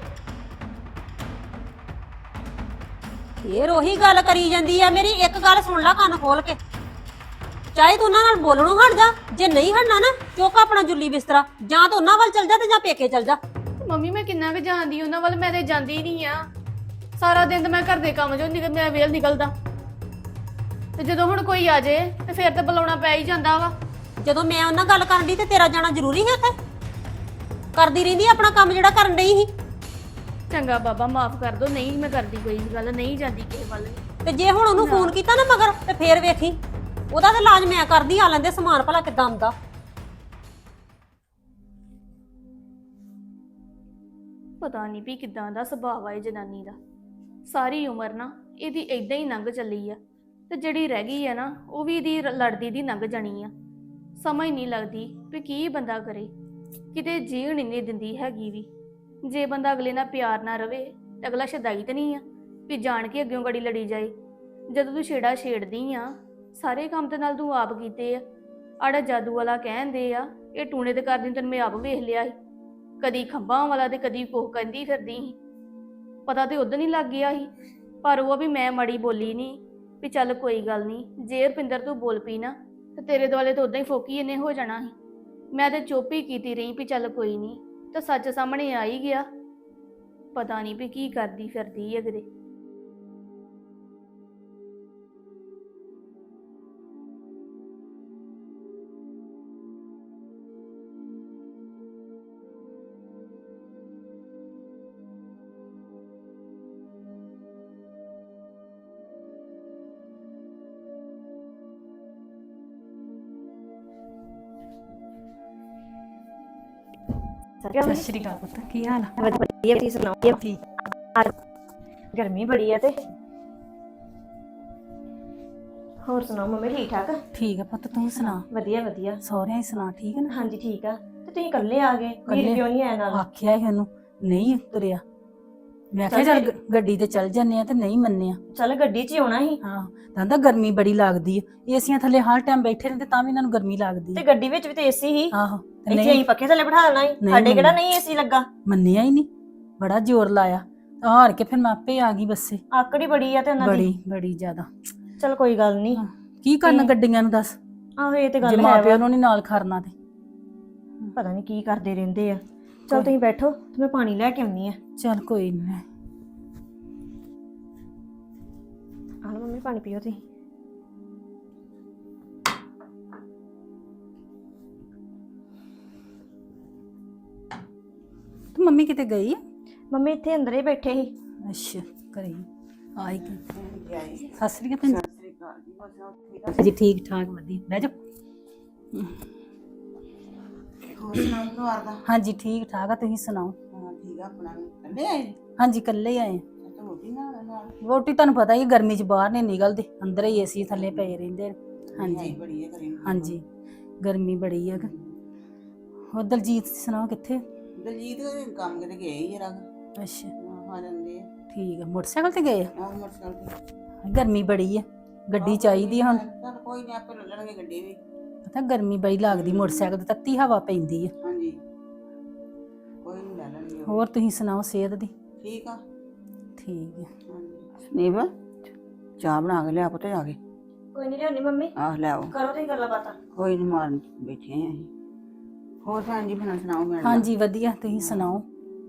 Speaker 1: ਫੇਰ ਉਹੀ ਗੱਲ ਕਰੀ ਜਾਂਦੀ ਆ। ਮੇਰੀ ਇੱਕ ਗੱਲ ਸੁਣ ਲੈ ਕੰਨ ਖੋਲ ਕੇ, ਚਾਹੇ ਤੂੰ ਉਹਨਾਂ ਨਾਲ ਬੋਲਣੋਂ ਹਟ ਜਾ, ਜੇ ਨਹੀਂ ਹਟਣਾ ਨਾ ਚੁੱਕ ਆਪਣਾ ਜੁੱਲੀ ਬਿਸਤਰਾ, ਜਾਂ ਤਾਂ ਉਹਨਾਂ ਵੱਲ ਚਲ ਜਾ ਤੇ ਜਾਂ ਪੇਕੇ ਚਲ ਜਾ।
Speaker 5: ਮੰਮੀ ਮੈਂ ਕਿੰਨਾ ਕੁ ਜਾਣਦੀ ਉਹਨਾਂ ਵੱਲ, ਮੈਂ ਤੇ ਜਾਂਦੀ ਹੀ ਨਹੀਂ ਆ। ਸਾਰਾ ਦਿਨ ਤਾਂ ਮੈਂ ਘਰ ਦੇ ਕੰਮ ਚੋਂ ਨਿਕਲ, ਮੈਂ ਵੇਲ ਨਿਕਲਦਾ। ਤੇ ਜਦੋਂ ਹੁਣ ਕੋਈ ਆ ਜੇ ਤੇ ਫਿਰ ਤਾਂ ਬੁਲਾਉਣਾ ਪੈ ਹੀ ਜਾਂਦਾ ਵਾ।
Speaker 1: ਜਦੋਂ ਮੈਂ ਉਹਨਾਂ ਗੱਲ ਕਰਨ ਦੀ ਤੇ ਤੇਰਾ ਜਾਣਾ ਜ਼ਰੂਰੀ ਹੈ ਉੱਥੇ? ਕਰਦੀ ਰਹਿੰਦੀ ਆਪਣਾ ਕੰਮ ਜਿਹੜਾ ਕਰਨ ਡਈ ਸੀ।
Speaker 5: ਚੰਗਾ ਬਾਬਾ ਮਾਫ ਕਰ ਦੋ, ਨਹੀਂ ਮੈਂ ਕਰਦੀ ਕੋਈ ਗੱਲ, ਨਹੀਂ ਜਾਂਦੀ ਕਿਸੇ ਵੱਲ।
Speaker 1: ਤੇ ਜੇ ਹੁਣ ਉਹਨੂੰ ਫੋਨ ਕੀਤਾ ਨਾ ਮਗਰ, ਤੇ ਫੇਰ ਵੇਖੀ ਉਹਦਾ ਤੇ ਇਲਾਜ ਮੈਂ ਕਰਦੀ। ਆ ਲੈਂਦੇ ਸਮਾਨ ਭਲਾ ਕਿੱਦਾਂ ਆਉਂਦਾ।
Speaker 5: ਪਤਾ ਨਹੀਂ ਵੀ ਕਿਦਾਂ ਦਾ ਸੁਭਾਅ ਆ ਇਹ ਜਨਾਨੀ ਦਾ। ਸਾਰੀ ਉਮਰ ਨਾ ਇਹਦੀ ਏਦਾਂ ਹੀ ਲੰਘ ਚੱਲੀ ਆ, ਤੇ ਜਿਹੜੀ ਰਹਿ ਗਈ ਆ ਨਾ ਉਹ ਵੀ ਇਹਦੀ ਲੜਦੀ ਦੀ ਲੰਘ ਜਾਣੀ ਆ। ਸਮਝ ਨਹੀਂ ਲੱਗਦੀ ਵੀ ਕੀ ਬੰਦਾ ਕਰੇ, ਕਿਤੇ ਜੀਣ ਹੀ ਨਹੀਂ ਦਿੰਦੀ ਹੈਗੀ ਵੀ। ਜੇ ਬੰਦਾ ਅਗਲੇ ਨਾਲ ਪਿਆਰ ਨਾ ਰਵੇ ਤੇ ਅਗਲਾ ਸ਼ਦਾਈ ਤਾਂ ਨਹੀਂ ਆ ਵੀ ਜਾਣ ਕੇ ਅੱਗਿਓਂ ਗੜੀ ਲੜੀ ਜਾਏ। ਜਦੋਂ ਤੂੰ ਛੇੜਾ ਛੇੜਦੀ ਆ, ਸਾਰੇ ਕੰਮ ਤੇ ਨਾਲ ਤੂੰ ਆਪ ਕੀਤੇ ਆ। ਆੜਾ ਜਾਦੂ ਵਾਲਾ ਕਹਿੰਦੇ ਆ, ਇਹ ਟੂਣੇ ਤੇ ਕਰਦੀ ਤੈਨੂੰ ਮੈਂ ਆਪ ਵੇਖ ਲਿਆ ਸੀ। ਕਦੀ ਖੰਭਾਂ ਵਾਲਾ ਤੇ ਕਦੀ ਕੋਹ ਕਹਿੰਦੀ ਫਿਰਦੀ ਸੀ। ਪਤਾ ਤੇ ਉਦੋਂ ਹੀ ਲੱਗ ਗਿਆ ਸੀ, ਪਰ ਉਹ ਵੀ ਮੈਂ ਮਾੜੀ ਬੋਲੀ ਨਹੀਂ ਵੀ ਚੱਲ ਕੋਈ ਗੱਲ ਨਹੀਂ। ਜੇ ਰੁਪਿੰਦਰ ਤੂੰ ਬੋਲ ਪਈ ਨਾ ਤੇ ਤੇਰੇ ਦੁਆਲੇ ਤਾਂ ਉਦਾਂ ਹੀ ਫੋਕੀ ਇਹਨੇ ਹੋ ਜਾਣਾ ਸੀ। ਮੈਂ ਤੇ ਚੁੱਪ ਹੀ ਕੀਤੀ ਰਹੀ ਵੀ ਚੱਲ ਕੋਈ ਨਹੀਂ, ਤਾਂ ਸੱਚ ਸਾਹਮਣੇ ਆ ਹੀ ਗਿਆ। ਪਤਾ ਨਹੀਂ ਵੀ ਕੀ ਕਰਦੀ ਫਿਰਦੀ ਹੈ ਕਿਤੇ।
Speaker 2: ਸਤਿ
Speaker 6: ਸ਼੍ਰੀ ਅਕਾਲ ਪੁੱਤ, ਕੀ ਹਾਲ ਆ?
Speaker 2: ਵਧੀਆ, ਤੁਸੀਂ ਸੁਣਾਓ? ਠੀਕ। ਗਰਮੀ ਬੜੀ ਆ ਤੇ ਹੋਰ ਸੁਣਾਓ ਮੰਮੀ, ਠੀਕ ਠਾਕ?
Speaker 6: ਠੀਕ ਆ ਪੁੱਤ, ਤੂੰ ਸੁਣਾ?
Speaker 2: ਵਧੀਆ ਵਧੀਆ।
Speaker 6: ਸਹੁਰਿਆਂ ਹੀ ਸੁਣਾ, ਠੀਕ ਹੈ ਨਾ?
Speaker 2: ਹਾਂਜੀ ਠੀਕ ਆ। ਤੇ ਤੁਸੀਂ ਇਕੱਲੇ ਆ ਗਏ, ਵੀਰ
Speaker 6: ਇਕੱਲੇ?
Speaker 2: ਕਿਉਂ ਨਹੀਂ ਆਇਆ ਨਾਲ?
Speaker 6: ਆਖਿਆ ਸੀ ਉਹਨੂੰ, ਨਹੀਂ ਤੁਰਿਆ। ਮੈਂ ਕਿਹਾ ਚੱਲ ਗੱਡੀ ਤੇ ਚੱਲ ਜੰਨੇ ਆ, ਤੇ ਨਹੀਂ ਮੰਨਿਆ।
Speaker 2: ਚੱਲ ਗੱਡੀ 'ਚ ਹੀ ਆਉਣਾ ਸੀ।
Speaker 6: ਹਾਂ, ਕਹਿੰਦਾ ਗਰਮੀ ਬੜੀ ਲੱਗਦੀ ਆ, ਏਸੀਆਂ ਥੱਲੇ ਹਰ ਟਾਈਮ ਬੈਠੇ ਰਹਿੰਦੇ ਤਾਂ ਵੀ ਇਹਨਾਂ ਨੂੰ ਗਰਮੀ ਲੱਗਦੀ
Speaker 2: ਤੇ
Speaker 6: ਆ।
Speaker 2: ਗੱਡੀ ਵਿੱਚ ਵੀ ਤੇ ਏਸੀ ਹੀ।
Speaker 6: ਆਹੋ, ਤੇ
Speaker 2: ਇੱਥੇ
Speaker 6: ਨਹੀਂ
Speaker 2: ਅਸੀਂ ਪੱਖੇ ਥੱਲੇ ਬਿਠਾ ਲੈਣਾ ਸੀ,
Speaker 6: ਨਹੀਂ
Speaker 2: ਸਾਡੇ ਕਿਹੜਾ
Speaker 6: ਮੰਨਿਆ।
Speaker 2: ਨਹੀਂ ਏਸੀ ਲੱਗਾ।
Speaker 6: ਮੰਨਿਆ ਹੀ ਨਹੀਂ, ਬੜਾ ਜ਼ੋਰ ਲਾਇਆ। ਹਾਰ ਕੇ ਫਿਰ ਮੈਂ ਆਪੇ ਆ ਗਈ ਬੱਸੇ।
Speaker 2: ਆਕੜੀ ਬੜੀ ਆ ਤੇ ਉਹਨਾਂ ਦੀ।
Speaker 6: ਬੜੀ ਬੜੀ ਜ਼ਿਆਦਾ।
Speaker 2: ਚੱਲ ਕੋਈ ਗੱਲ ਨਹੀਂ।
Speaker 6: ਹਾਂ, ਕੀ ਕਰਨਾ ਗੱਡੀਆਂ ਨੂੰ ਦੱਸ,
Speaker 2: ਆਹੋ ਇਹ ਤੇ
Speaker 6: ਜੇ
Speaker 2: ਗੱਲ ਹੈ
Speaker 6: ਮਾਪਿਆਂ
Speaker 2: ਵਾ।
Speaker 6: ਨੂੰ ਨਹੀਂ ਨਾਲ ਖੜਨਾ ਤੇ।
Speaker 2: ਪਤਾ ਨਹੀਂ ਕੀ ਕਰਦੇ ਰਹਿੰਦੇ ਆ। ਚੱਲ ਤੁਸੀਂ ਬੈਠੋ ਤੇ ਮੈਂ ਪਾਣੀ ਲੈ ਕੇ ਆਉਣੀ ਆ।
Speaker 6: ਚੱਲ ਕੋਈ ਨਹੀਂ।
Speaker 2: ਆਹ ਲਓ ਮੰਮੀ ਪਾਣੀ ਪੀਓ ਤੁਸੀਂ।
Speaker 6: ਤੂੰ ਮੰਮੀ ਕਿਤੇ ਗਈ ਆ?
Speaker 2: ਮੰਮੀ ਇੱਥੇ ਅੰਦਰ ਹੀ ਬੈਠੇ ਸੀ।
Speaker 6: ਅੱਛਾ, ਘਰੇ ਆਈ ਕਿ
Speaker 3: ਜਾਈ
Speaker 6: ਸਤਿ ਸ੍ਰੀ ਅਕਾਲ
Speaker 3: ਸਤਿ ਸ੍ਰੀ ਅਕਾਲ ਜੀ, ਬਸ ਠੀਕ ਆ।
Speaker 6: ਜੀ, ਠੀਕ ਠਾਕ ਵਧੀਆ। ਬਹਿ ਜਾ।
Speaker 3: ਹੋਰ ਸੁਣਾਓ ਪਰਿਵਾਰ ਦਾ?
Speaker 6: ਹਾਂਜੀ ਠੀਕ ਠਾਕ ਆ, ਤੁਸੀਂ ਸੁਣਾਓ?
Speaker 3: ਹਾਂ ਠੀਕ ਆ, ਆਪਣਾ ਵੀ ਕੱਲੇ ਆਏ?
Speaker 6: ਹਾਂਜੀ ਇਕੱਲੇ ਹੀ ਆਏ ਆ।
Speaker 3: ਤੇ ਰੋਟੀ ਨਾਲ
Speaker 6: ਰੋਟੀ ਤੁਹਾਨੂੰ ਪਤਾ ਹੀ ਆ, ਗਰਮੀ 'ਚ ਬਾਹਰ ਨਹੀਂ ਨਿਕਲਦੇ, ਅੰਦਰ ਹੀ ਏਸੀ ਥੱਲੇ ਪਏ ਰਹਿੰਦੇ ਨੇ। ਹਾਂਜੀ
Speaker 3: ਬੜੀ ਹੈ ਕਰੀ।
Speaker 6: ਹਾਂਜੀ, ਗਰਮੀ ਬੜੀ ਆ। ਹੋਰ ਦਲਜੀਤ ਸੁਣਾਓ, ਕਿੱਥੇ?
Speaker 3: ਦਲਜੀਤ ਦੇ ਕੰਮ ਕਿਤੇ ਗਏ ਹੀ ਜਰਾ।
Speaker 6: ਅੱਛਾ
Speaker 3: ਆ ਜਾਂਦੇ ਆ।
Speaker 6: ਠੀਕ ਆ, ਮੋਟਰਸਾਈਕਲ ਤੇ ਗਏ ਆ?
Speaker 3: ਆਹ ਮੋਟਰਸਾਈਕਲ ਤੇ।
Speaker 6: ਗਰਮੀ ਬੜੀ ਆ, ਗੱਡੀ ਚਾਹੀਦੀ ਆ ਹੁਣ।
Speaker 3: ਚੱਲ ਕੋਈ ਨਹੀਂ, ਆਪੇ ਲੈ ਲੈਣਗੇ ਗੱਡੀ ਵੀ।
Speaker 6: ਪਤਾ ਗਰਮੀ ਬੜੀ ਲੱਗਦੀ, ਮੋਟਰਸਾਈਕਲ ਤੇ ਤੱਤੀ ਹਵਾ ਪੈਂਦੀ ਆ।
Speaker 3: ਹਾਂਜੀ, ਕੋਈ ਨਹੀਂ ਲੈ ਲੈਣਗੇ।
Speaker 6: ਹੋਰ ਤੁਸੀਂ ਸੁਣਾਓ, ਸਿਹਤ ਦੀ?
Speaker 3: ਠੀਕ ਆ।
Speaker 6: ਠੀਕ ਆ।
Speaker 3: ਨੀਵ ਚਾਹ ਬਣਾ ਕੇ ਲਿਆ ਪੁੱਤ ਜਾ ਕੇ।
Speaker 2: ਕੋਈ ਨਹੀਂ ਲਿਆਉਣੀ ਮੰਮੀ,
Speaker 3: ਆਹ ਲੈ ਆਓ।
Speaker 2: ਕਰੋ ਤੁਸੀਂ ਗੱਲਾਂ ਬਾਤਾਂ।
Speaker 3: ਕੋਈ ਨਹੀਂ, ਮਾਰਨ ਬੈਠੇ ਆ ਅਸੀਂ। ਹੋਰ ਭੈਣ ਜੀ ਫਿਰ ਸੁਣਾਓ? ਮੈਂ
Speaker 6: ਹਾਂਜੀ ਵਧੀਆ, ਤੁਸੀਂ ਸੁਣਾਓ?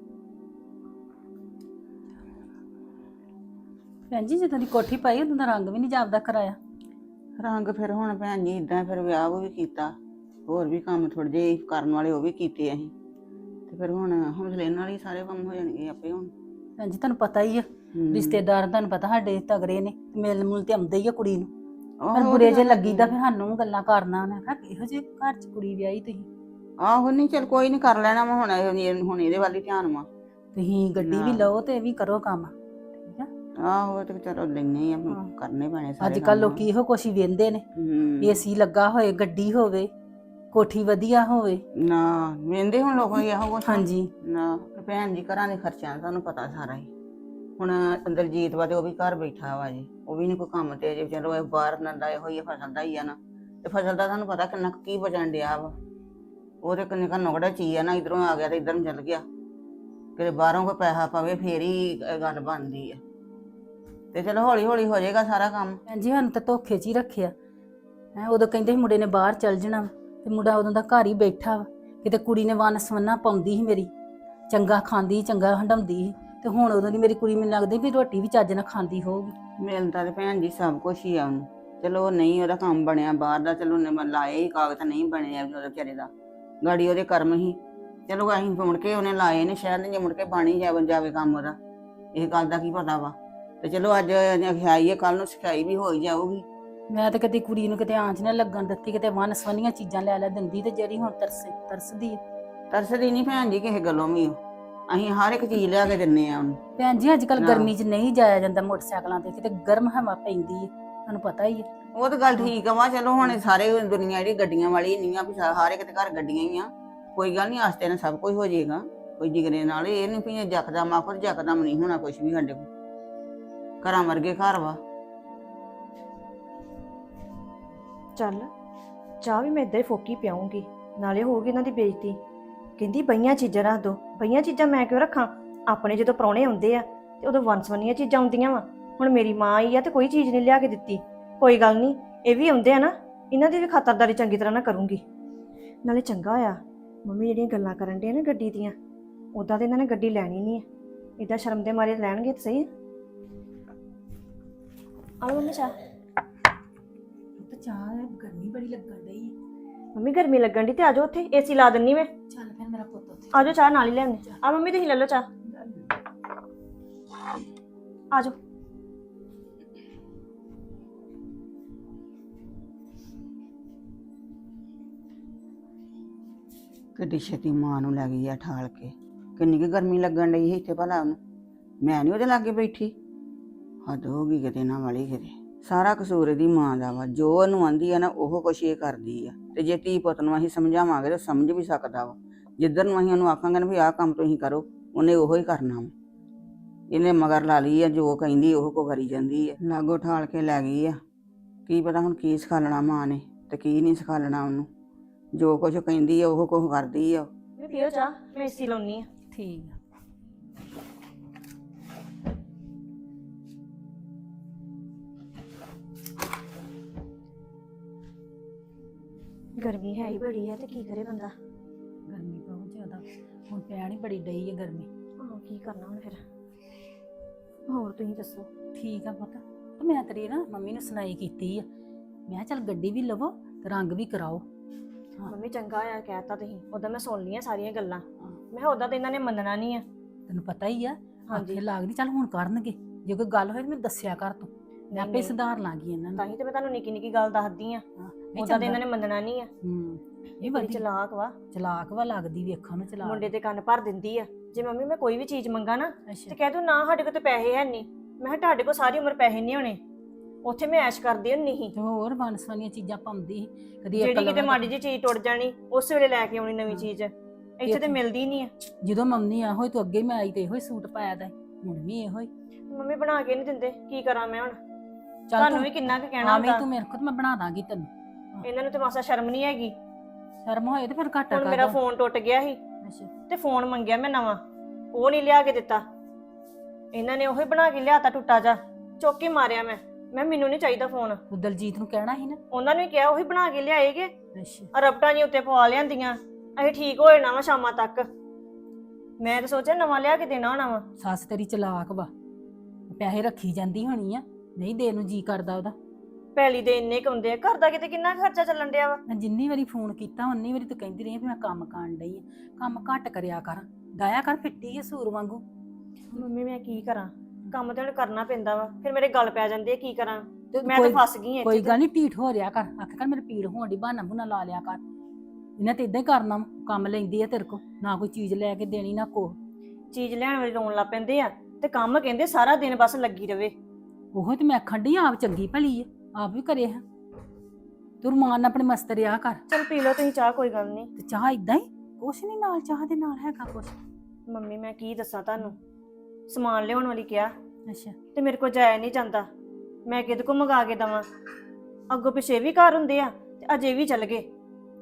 Speaker 6: ਭੈਣ ਜੀ ਜਦੋਂ ਦੀ ਕੋਠੀ ਪਾਈ ਉਦੋਂ ਦਾ ਰੰਗ ਵੀ ਨਹੀਂ ਜਾਪਦਾ ਕਰਾਇਆ।
Speaker 3: ਰੰਗ ਫਿਰ ਹੁਣ ਭੈਣ ਜੀ ਇਦਾਂ, ਫਿਰ ਵਿਆਹ ਵੀ ਕੀਤਾ, ਹੋਰ ਵੀ ਕੰਮ ਥੋੜੇ ਜਿਹੇ ਕਰਨ ਵਾਲੇ ਉਹ ਵੀ ਕੀਤੇ ਅਸੀਂ, ਤੇ ਫਿਰ ਹੁਣ ਹੌਸਲੇ ਨਾਲ ਹੀ ਸਾਰੇ ਕੰਮ ਹੋ ਜਾਣਗੇ ਆਪੇ ਹੁਣ।
Speaker 6: ਭੈਣ ਜੀ ਤੁਹਾਨੂੰ ਪਤਾ ਹੀ ਆ, ਰਿਸ਼ਤੇਦਾਰ ਤੁਹਾਨੂੰ ਪਤਾ ਸਾਡੇ ਤਗੜੇ ਨੇ, ਮਿਲ ਮੁਲ ਤੇ ਆਉਂਦੇ ਹੀ ਆ ਕੁੜੀ ਨੂੰ। ਪਰ ਬੁਰੇ ਜੇ ਲੱਗੀਦਾ ਫਿਰ ਸਾਨੂੰ ਗੱਲਾਂ ਕਰਨਾ। ਉਹਨੇ ਕਿਹਾ ਇਹੋ ਜਿਹੇ ਘਰ 'ਚ ਕੁੜੀ ਵਿਆਹੀ ਤੁਸੀਂ।
Speaker 3: ਆਹੋ ਨਹੀਂ, ਚੱਲ ਕੋਈ ਨਹੀਂ, ਕਰ ਲੈਣਾ ਵਾ ਹੁਣ ਇਹਦੇ ਵੱਲ ਹੀ ਧਿਆਨ ਵਾ।
Speaker 6: ਤੁਸੀਂ ਗੱਡੀ ਵੀ ਲਓ ਤੇ ਇਹ ਵੀ ਕਰੋ ਕੰਮ, ਠੀਕ ਆ?
Speaker 3: ਆਹੋ ਤੇ ਚਲੋ ਲੈਣੇ ਆ, ਕਰਨੇ ਪੈਣੇ ਸਾਰੇ
Speaker 6: ਅੱਜ ਕੱਲ ਲੋਕੀ ਇਹੋ ਕੁਛ ਹੀ ਵੇਂਦੇ ਨੇ, ਏਸੀ ਲੱਗਾ ਹੋਏ, ਗੱਡੀ ਹੋਵੇ, ਕੋਠੀ ਵਧੀਆ ਹੋਵੇ।
Speaker 3: ਨਾ ਵੇਂਦੇ ਹੁਣ ਲੋਕਾਂ ਦੀ ਇਹੋ ਕੁਛ।
Speaker 6: ਹਾਂਜੀ
Speaker 3: ਨਾ ਭੈਣ ਜੀ, ਘਰਾਂ ਦੇ ਖਰਚਿਆਂ ਦਾ ਤੁਹਾਨੂੰ ਪਤਾ ਸਾਰਾ ਹੀ। ਹੁਣ ਦਲਜੀਤ ਵਾ ਤੇ ਉਹ ਵੀ ਘਰ ਬੈਠਾ ਵਾ ਜੀ, ਉਹ ਵੀ ਨੀ ਕੋਈ ਕੰਮ ਤੇ ਜੇ ਚਲੋ ਇਹ ਬਾਹਰ ਨੰਦਾ ਇਹੋ ਹੀ ਫਸਲ ਦਾ ਹੀ ਆ ਨਾ, ਤੇ ਫਸਲ ਦਾ ਤੁਹਾਨੂੰ ਪਤਾ ਕਿੰਨਾ ਕੀ ਬਚਣ ਡਿਆ ਵਾ। ਉਹ ਤੇ ਕਿੰਨੇ ਘਨੋਂ ਕਿਹੜਾ ਚੀਜ਼ ਆ ਨਾ, ਇਧਰੋਂ ਆ ਗਿਆ ਤੇ ਇਧਰ ਨੂੰ ਚੱਲ ਗਿਆ। ਕਿਤੇ ਬਾਹਰੋਂ ਕੋਈ ਪੈਸਾ ਪਵੇ ਫੇਰ ਹੀ ਗੱਲ ਬਣਦੀ ਆ। ਤੇ ਚਲੋ ਹੌਲੀ ਹੌਲੀ ਹੋ ਜਾਏਗਾ ਸਾਰਾ ਕੰਮ।
Speaker 6: ਭੈਣ ਜੀ ਸਾਨੂੰ ਤਾਂ ਧੋਖੇ 'ਚ ਹੀ ਰੱਖਿਆ ਹੈ। ਉਦੋਂ ਕਹਿੰਦੇ ਸੀ ਮੁੰਡੇ ਨੇ ਬਾਹਰ ਚੱਲ ਜਾਣਾ, ਤੇ ਮੁੰਡਾ ਉਦੋਂ ਦਾ ਘਰ ਹੀ ਬੈਠਾ ਵਾ। ਕਿਤੇ ਕੁੜੀ ਨੇ ਵੰਨ ਸਵੰਨਾ ਪਾਉਂਦੀ ਸੀ ਮੇਰੀ, ਚੰਗਾ ਖਾਂਦੀ ਸੀ, ਚੰਗਾ ਹੰਡਾਉਂਦੀ ਸੀ, ਤੇ ਹੁਣ ਉਦੋਂ ਦੀ ਮੇਰੀ ਕੁੜੀ ਮੈਨੂੰ ਲੱਗਦੀ ਵੀ ਰੋਟੀ ਵੀ ਚੱਜ ਨਾਲ ਖਾਂਦੀ ਹੋਊਗੀ।
Speaker 3: ਮਿਲਦਾ ਤੇ ਭੈਣ ਜੀ ਸਭ ਕੁਛ ਹੀ ਆ ਉਹਨੂੰ। ਚਲੋ ਨਹੀਂ ਉਹਦਾ ਕੰਮ ਬਣਿਆ ਬਾਹਰ ਦਾ, ਚਲੋ ਉਹਨੇ ਲਾਏ ਹੀ ਕਾਗਜ਼, ਨਹੀਂ ਬਣਿਆ ਉਹਦੇ ਵਿਚਾਰੇ ਦਾ, ਗਾੜੀ ਉਹਦੇ ਕਰਮ ਹੀ। ਚਲੋ ਅਸੀਂ ਮੁੜ ਕੇ ਉਹਨੇ ਲਾਏ ਨੇ ਸ਼ਾਇਦ, ਜੇ ਮੁੜ ਕੇ ਬਣੀ ਜਾਵੇ ਕੰਮ ਉਹਦਾ, ਇਹ ਗੱਲ ਦਾ ਕੀ ਪਤਾ ਵਾ। ਤੇ ਚਲੋ ਅੱਜ ਸਿਖਾਈ ਹੈ, ਕੱਲ ਨੂੰ ਸਿਖਾਈ ਵੀ ਹੋ ਹੀ ਜਾਊਗੀ।
Speaker 6: ਮੈਂ ਤਾਂ ਕਦੀ ਕੁੜੀ ਨੂੰ ਕਿਤੇ ਆਂਚ ਨਾ ਲੱਗਣ ਦਿੱਤੀ, ਕਿਤੇ ਵੰਨ ਸਵੰਨੀਆਂ ਚੀਜ਼ਾਂ ਲੈ ਦਿੰਦੀ, ਤੇ ਜਿਹੜੀ ਹੁਣ ਤਰਸਦੀ ਹੈ।
Speaker 3: ਤਰਸਦੀ ਨਹੀਂ ਭੈਣ ਜੀ ਕਿਸੇ ਗੱਲੋਂ ਵੀ, ਅਸੀਂ ਹਰ ਇੱਕ ਚੀਜ਼ ਲਿਆ ਕੇ ਦਿੰਨੇ ਆ ਉਹਨੂੰ।
Speaker 6: ਭੈਣ ਜੀ ਅੱਜ ਕੱਲ ਗਰਮੀ 'ਚ ਨਹੀਂ ਜਾਇਆ ਜਾਂਦਾ ਮੋਟਰਸਾਈਕਲਾਂ ਤੇ, ਕਿਤੇ ਗਰਮ ਹਵਾ ਪੈਂਦੀ ਹੈ, ਤੁਹਾਨੂੰ ਪਤਾ ਹੀ ਹੈ।
Speaker 3: ਉਹ ਤਾਂ ਗੱਲ ਠੀਕ ਆ ਵਾ। ਚਲੋ ਹੁਣ ਸਾਰੇ ਦੁਨੀਆ ਜਿਹੜੀ ਗੱਡੀਆਂ ਵਾਲੀ ਨਹੀਂ ਆ, ਵੀ ਹਰ ਇੱਕ ਦੇ ਘਰ ਗੱਡੀਆਂ ਹੀ ਆ। ਕੋਈ ਗੱਲ ਨਹੀਂ, ਆਸਤੇ ਨਾਲ ਸਭ ਕੁਝ ਹੋ ਜਾਏਗਾ, ਕੋਈ ਜਿਗਰੇ ਨਾਲ। ਇਹ ਨਹੀਂ ਵੀ ਜਕਦਮ ਆਖੋ, ਜਕਦਮ ਨਹੀਂ ਹੋਣਾ ਕੁਝ ਵੀ ਸਾਡੇ ਕੋਲ। ਘਰਾਂ ਵਰਗੇ ਘਰ ਵਾ।
Speaker 2: ਚੱਲ ਚਾਹ ਵੀ ਮੈਂ ਇੱਦਾਂ ਹੀ ਫੋਕੀ ਪਿਆਉਂਗੀ, ਨਾਲੇ ਹੋਊਗੀ ਇਹਨਾਂ ਦੀ ਬੇਇੱਜ਼ਤੀ। ਕਹਿੰਦੀ ਬਈਆਂ ਚੀਜ਼ਾਂ ਰੱਖ ਦੋ, ਬਈਆਂ ਚੀਜ਼ਾਂ ਮੈਂ ਕਿਉਂ ਰੱਖਾਂ? ਆਪਣੇ ਜਦੋਂ ਪ੍ਰਾਹੁਣੇ ਆਉਂਦੇ ਆ ਤੇ ਉਦੋਂ ਵੰਸਵੰਨੀਆਂ ਚੀਜ਼ਾਂ ਆਉਂਦੀਆਂ ਵਾ। ਹੁਣ ਮੇਰੀ ਮਾਂ ਆਈ ਆ ਤੇ ਕੋਈ ਚੀਜ਼ ਨਹੀਂ ਲਿਆ ਕੇ ਦਿੱਤੀ। ਕੋਈ ਗੱਲ ਨਹੀਂ, ਇਹ ਵੀ ਆਉਂਦੇ ਆ ਨਾ, ਇਹਨਾਂ ਦੀ ਵੀ ਖਾਤਰਦਾਰੀ ਚੰਗੀ ਤਰ੍ਹਾਂ ਨਾਲ ਕਰੂੰਗੀ। ਨਾਲੇ ਚੰਗਾ ਹੋਇਆ ਮੰਮੀ ਜਿਹੜੀਆਂ ਗੱਲਾਂ ਕਰਨ ਡੇ ਨਾ ਗੱਡੀ ਦੀਆਂ, ਉੱਦਾਂ ਤੇ ਇਹਨਾਂ ਨੇ ਗੱਡੀ ਲੈਣੀ ਨਹੀਂ ਹੈ। ਇੱਦਾਂ ਸ਼ਰਮ ਦੇ ਮਾਰੇ ਲੈਣਗੇ ਤਾਂ ਸਹੀ। ਆਲੋ ਮੰਮੀ ਚਾਹ।
Speaker 6: ਤੇ ਚਾਹ ਗਰਮੀ ਬੜੀ ਲੱਗਣ ਡਈ ਹੈ।
Speaker 2: ਮੰਮੀ ਗਰਮੀ ਲੱਗਣ ਦੀ ਤੇ ਆਜੋ, ਉੱਥੇ ਏਸੀ ਲਾ ਦਿੰਨੀ ਮੈਂ।
Speaker 6: ਚੱਲ ਫਿਰ ਮੇਰਾ ਪੁੱਤ ਉੱਥੇ
Speaker 2: ਆਜੋ ਚਾਹ ਨਾਲ ਹੀ ਲੈਣੇ ਆ। ਮੰਮੀ ਤੁਸੀਂ ਲੈ ਲਓ ਚਾਹ, ਆਜੋ।
Speaker 3: ਕਿੱਡੀ ਛੇਤੀ ਮਾਂ ਨੂੰ ਲੈ ਗਈ ਆ ਠਾਲ ਕੇ। ਕਿੰਨੀ ਕੁ ਗਰਮੀ ਲੱਗਣ ਡਈ ਸੀ ਇੱਥੇ ਭਲਾ ਉਹਨੂੰ। ਮੈਂ ਨਹੀਂ ਉਹਦੇ ਲਾਗੇ ਬੈਠੀ। ਹੱਦ ਹੋ ਗਈ ਕਿਤੇ ਨਾ ਵਾਲੀ ਕਿਤੇ। ਸਾਰਾ ਕਸੂਰ ਇਹਦੀ ਮਾਂ ਦਾ ਵਾ। ਜੋ ਉਹਨੂੰ ਆਂਦੀ ਆ ਨਾ ਉਹ ਕੁਛ ਇਹ ਕਰਦੀ ਆ। ਤੇ ਜੇ ਧੀ ਪੁੱਤ ਨੂੰ ਅਸੀਂ ਸਮਝਾਵਾਂਗੇ ਤਾਂ ਸਮਝ ਵੀ ਸਕਦਾ ਵਾ। ਜਿੱਧਰ ਨੂੰ ਅਸੀਂ ਉਹਨੂੰ ਆਖਾਂਗੇ ਨਾ ਵੀ ਆਹ ਕੰਮ ਤੁਸੀਂ ਕਰੋ, ਉਹਨੇ ਉਹੋ ਹੀ ਕਰਨਾ ਵਾ। ਇਹਨੇ ਮਗਰ ਲਾ ਲਈ ਆ, ਜੋ ਕਹਿੰਦੀ ਉਹ ਕੋ ਕਰੀ ਜਾਂਦੀ ਆ। ਲਾਗੋ ਠਾਲ ਕੇ ਲੈ ਗਈ ਆ। ਕੀ ਪਤਾ ਹੁਣ ਕੀ ਸਿਖਾਲਣਾ ਮਾਂ ਨੇ ਤੇ ਕੀ ਨਹੀਂ ਸਿਖਾਲਣਾ ਉਹਨੂੰ। ਜੋ ਕੁਝ ਕਹਿੰਦੀ ਆ ਉਹ ਕੁਝ ਕਰਦੀ ਆ।
Speaker 2: ਮੈਂ ਪੀਓ ਚਾਹ, ਮੈਂ ਏਸੀ ਲਾਉਣੀ ਆ।
Speaker 6: ਠੀਕ ਆ।
Speaker 2: ਗਰਮੀ ਹੈ ਹੀ ਬੜੀ ਆ ਤੇ ਕੀ ਕਰੇ ਬੰਦਾ।
Speaker 6: ਗਰਮੀ ਬਹੁਤ ਜ਼ਿਆਦਾ ਹੁਣ ਪੈਣ ਹੀ ਬੜੀ ਡਈ ਹੈ ਗਰਮੀ।
Speaker 2: ਹਾਂ ਕੀ ਕਰਨਾ ਹੁਣ ਫਿਰ। ਹੋਰ ਤੁਸੀਂ ਦੱਸੋ।
Speaker 6: ਠੀਕ ਆ ਪੁੱਤ। ਤੇ ਮੈਂ ਤੇਰੀ ਨਾ ਮੰਮੀ ਨੂੰ ਸੁਣਾਈ ਕੀਤੀ ਆ। ਮੈਂ ਕਿਹਾ ਚੱਲ ਗੱਡੀ ਵੀ ਲਵੋ ਤੇ ਰੰਗ ਵੀ ਕਰਾਓ। ਹਾਂ।
Speaker 2: ਮੰਮੀ ਚੰਗਾ ਆ ਕਹਿਤਾ ਤੁਸੀਂ। ਉਦੋਂ ਮੈਂ ਸੁਣ ਲਈਆਂ ਸਾਰੀਆਂ ਗੱਲਾਂ।
Speaker 6: ਹਾਂ।
Speaker 2: ਮੈਂ ਕਿਹਾ ਉਦਾਂ ਤਾਂ ਇਹਨਾਂ ਨੇ ਮੰਨਣਾ ਨਹੀਂ ਆ।
Speaker 6: ਤੈਨੂੰ ਪਤਾ ਹੀ ਆ।
Speaker 2: ਹਾਂਜੀ।
Speaker 6: ਆਖੇ ਲੱਗਦੀ ਚੱਲ ਹੁਣ ਕਰਨਗੇ। ਜੇ ਕੋਈ ਗੱਲ ਹੋਏ ਤਾਂ ਮੈਨੂੰ ਦੱਸਿਆ ਕਰ ਤੂੰ। ਮੈਂ
Speaker 2: ਨਹੀਂ,
Speaker 6: ਆਪੇ
Speaker 2: ਨਹੀਂ।
Speaker 6: ਸੁਧਾਰ ਲਾਂਗੀ ਇਹਨਾਂ
Speaker 2: ਤਾਂ
Speaker 6: ਨੂੰ।
Speaker 2: ਹੀ ਤੇ ਮੈਂ ਤੁਹਾਨੂੰ ਨਿੱਕੀ ਨਿੱਕੀ ਗੱਲ ਦੱਸਦੀ ਆ।
Speaker 6: ਹਾਂ,
Speaker 2: ਉਦਾਂ ਤਾਂ ਇਹਨਾਂ ਨੇ ਮੰਨਣਾ ਨਹੀਂ ਆ।
Speaker 6: ਇਹ
Speaker 2: ਬੜੀ
Speaker 6: ਬੜੀ
Speaker 2: ਚਲਾਕ ਵਾ।
Speaker 6: ਚਲਾਕ ਵਾ ਲੱਗਦੀ ਵੇਖਣ ਨੂੰ ਚਲਾਕ।
Speaker 2: ਮੁੰਡੇ ਦੇ ਕੰਨ ਭਰ ਦਿੰਦੀ ਆ। ਜੇ ਮੰਮੀ ਮੈਂ ਕੋਈ ਵੀ ਚੀਜ਼ ਮੰਗਾ ਨਾ ਤੇ
Speaker 6: ਅੱਛਾ।
Speaker 2: ਕਹਿ ਤੂੰ ਨਾ ਸਾਡੇ ਕੋਲ ਤੇ ਪੈਸੇ ਹੈ ਨਹੀਂ। ਮੈਂ ਕਿਹਾ ਤੁਹਾਡੇ ਕੋਲ ਸਾਰੀ ਉਮਰ ਪੈਸੇ ਨਹੀਂ ਹੋਣੇ। ਉੱਥੇ ਮੈਂ ਐਸ਼ ਕਰਦੀ ਹੁੰਨੀ ਸੀ।
Speaker 6: ਤੇ ਹੋਰ ਵਨਸਵਨੀਆਂ ਚੀਜ਼ਾਂ ਪਾਉਂਦੀ ਸੀ। ਕਦੀ ਇੱਕ
Speaker 2: ਜਿਹੜੀ ਕਿਤੇ
Speaker 6: ਲਵਾਂ
Speaker 2: ਮਾੜੀ ਜਿਹੀ ਚੀਜ਼ ਟੁੱਟ ਜਾਣੀ ਉਸੇ ਵੇਲੇ ਲੈ ਕੇ ਆਉਣੀ ਨਵੀਂ ਚੀਜ਼। ਇੱਥੇ ਤੇ ਮਿਲਦੀ ਨਹੀਂ ਆ।
Speaker 6: ਜਦੋਂ ਮੰਮੀ ਆ ਹੋਈ ਤੂੰ ਅੱਗੇ ਮੈਂ ਆਈ ਤੇ ਇਹੋ ਹੀ ਸੂਟ ਪਾਇਆ ਦਾ ਸੀ। ਹੁਣ ਵੀ ਇਹੋ ਹੀ।
Speaker 2: ਮੰਮੀ ਬਣਾ ਕੇ ਨਹੀਂ ਦਿੰਦੇ, ਕੀ ਕਰਾਂ ਮੈਂ ਹੁਣ।
Speaker 6: ਚੱਲ
Speaker 2: ਤੁਹਾਨੂੰ
Speaker 6: ਤੂੰ
Speaker 2: ਵੀ ਕਿੰਨਾ ਕੁ ਕਹਿਣਾ
Speaker 6: ਹਾਂ ਵੀ
Speaker 2: ਹੁੰਦਾ।
Speaker 6: ਤੂੰ ਮੇਰੇ ਕੋਲ ਤੇ ਮੈਂ ਬਣਾ ਦਾਂਗੀ ਤੈਨੂੰ।
Speaker 2: ਇਹਨਾਂ ਨੂੰ ਤੇ ਮਾਸਾ ਸ਼ਰਮ ਨਹੀਂ ਹੈਗੀ।
Speaker 6: ਸ਼ਰਮ ਹੋਏ ਤੇ ਫਿਰ ਘੱਟ
Speaker 2: ਹੁਣ
Speaker 6: ਕਰ
Speaker 2: ਮੇਰਾ ਫੋਨ ਟੁੱਟ ਗਿਆ ਸੀ
Speaker 6: ਅੱਛਾ।
Speaker 2: ਤੇ ਫੋਨ ਮੰਗਿਆ ਮੈਂ ਨਵਾਂ, ਉਹ ਨਹੀਂ ਲਿਆ ਕੇ ਦਿੱਤਾ। ਇਹਨਾਂ ਨੇ ਉਹੀ ਬਣਾ ਕੇ ਲਿਆਤਾ ਟੁੱਟਾ ਜਾ। ਚੁੱਕ ਕੇ ਮਾਰਿਆ ਮੈਂ ਮੈਨੂੰ ਨਹੀਂ ਚਾਹੀਦਾ ਫੋਨ।
Speaker 6: ਤੂੰ ਦਲਜੀਤ ਨੂੰ ਕਹਿਣਾ ਸੀ ਨਾ।
Speaker 2: ਉਹਨਾਂ ਨੂੰ ਹੀ ਕਿਹਾ ਉਹੀ ਬਣਾ ਕੇ ਲਿਆਏਗੇ।
Speaker 6: ਅੱਛਾ।
Speaker 2: ਰਬਟਾਂ ਜੀ ਉੱਤੇ ਪਵਾ ਲਿਆਂਦੀਆਂ। ਅਸੀਂ ਠੀਕ ਹੋ ਜਾਣਾ ਵਾ ਸ਼ਾਮਾਂ ਤੱਕ। ਮੈਂ ਤਾਂ ਸੋਚਿਆ ਨਵਾਂ ਲਿਆ ਕੇ ਦੇਣਾ ਹੋਣਾ ਵਾ।
Speaker 6: ਸੱਸ ਤੇਰੀ ਚਲਾਕ ਵਾ। ਪੈਸੇ ਰੱਖੀ ਜਾਂਦੀ ਹੋਣੀ ਆ, ਨਹੀਂ ਦੇਣ ਨੂੰ ਜੀ ਕਰਦਾ ਉਹਦਾ।
Speaker 2: ਪਹਿਲੀ ਦੇ ਇੰਨੇ ਕੁੰਦੇ ਆ, ਘਰ ਦਾ ਕਿਤੇ ਕਿੰਨਾ ਖਰਚਾ ਚੱਲਣ ਡਿਆ ਵਾ।
Speaker 6: ਮੈਂ ਜਿੰਨੀ ਵਾਰੀ ਫੋਨ ਕੀਤਾ ਉਨੀ ਵਾਰੀ ਤੂੰ ਕਹਿੰਦੀ ਰਹੀ ਵੀ ਮੈਂ ਕੰਮ ਕਰਨ ਡਈ ਆ। ਕੰਮ ਘੱਟ ਕਰਿਆ ਕਰ, ਡਾਇਆ ਕਰ ਫਿੱਟੀ ਆ ਸੂਰ ਵਾਂਗੂ।
Speaker 2: ਮੰਮੀ ਮੈਂ ਕੀ ਕਰਾਂ, ਕੰਮ ਤੇ ਹੁਣ ਕਰਨਾ ਪੈਂਦਾ ਵਾ। ਫਿਰ ਮੇਰੇ ਗੱਲ ਪੈ ਜਾਂਦੇ ਆ, ਕੀ ਕਰਾਂ।
Speaker 6: ਤੇ
Speaker 2: ਮੈਂ ਤਾਂ
Speaker 6: ਕੋਈ-
Speaker 2: ਫਸ ਗਈ ਇੱਥੇ
Speaker 6: ਕੋਈ
Speaker 2: ਤੇ।
Speaker 6: ਗੱਲ ਨਹੀਂ, ਢੀਠ ਹੋ ਰਿਆ ਕਰ। ਆਖਿਆ ਕਰ ਮੇਰੇ ਪੀੜ ਹੋਣ ਦੀ, ਬਹਾਨਾ ਬੁਨਾ ਲਾ ਲਿਆ ਕਰ। ਇਹਨੇ ਤੇ ਇਦਾਂ ਹੀ ਕਰਨਾ ਵਾ। ਕੰਮ ਲੈਂਦੀ ਆ ਤੇਰੇ ਕੋ, ਨਾ ਕੋਈ ਚੀਜ਼ ਲੈ ਕੇ ਦੇਣੀ ਨਾ ਕੋ।
Speaker 2: ਚੀਜ਼ ਲੈਣ ਵਾਲੀ ਰੋਣ ਲੱਗ ਪੈਂਦੇ ਆ ਤੇ ਕੰਮ ਕਹਿੰਦੇ ਸਾਰਾ ਦਿਨ ਬਸ ਲੱਗੀ ਰਵੇ।
Speaker 6: ਉਹੋ ਤੇ ਮੈਂ ਆਖਣ ਡਈ ਆਪ ਚੰਗੀ ਭਲੀ ਆ, ਆਪ ਵੀ ਕਰੇ ਹਾਂ। ਤੂੰ ਰਮਾਨ ਨਾਲ ਆਪਣੇ ਮਸਤ ਰਿਆ ਕਰ।
Speaker 2: ਚਲ ਪੀ ਲਓ ਤੁਸੀਂ ਚਾਹ, ਕੋਈ ਗੱਲ ਨਹੀਂ।
Speaker 6: ਤੇ ਚਾਹ ਇਦਾਂ ਹੀ ਕੁਛ ਨਹੀਂ ਨਾਲ, ਚਾਹ ਦੇ ਨਾਲ ਹੈਗਾ ਕੁਛ।
Speaker 2: ਮੰਮੀ ਮੈਂ ਕੀ ਦੱਸਾਂ ਤੁਹਾਨੂੰ, ਸਮਾਨ ਲਿਆਉਣ ਵਾਲੀ ਕਿਹਾ
Speaker 6: ਅੱਛਾ।
Speaker 2: ਤੇ ਮੇਰੇ ਕੋਲ ਜਾਇਆ ਨਹੀਂ ਜਾਂਦਾ। ਮੈਂ ਕਿਹਦੇ ਕੋ ਮੰਗਾ ਕੇ ਦਵਾਂ। ਅੱਗੋਂ ਪਿਛੇ ਵੀ ਘਰ ਹੁੰਦੇ ਆ ਤੇ ਅਜੇ ਵੀ ਚੱਲ ਗਏ।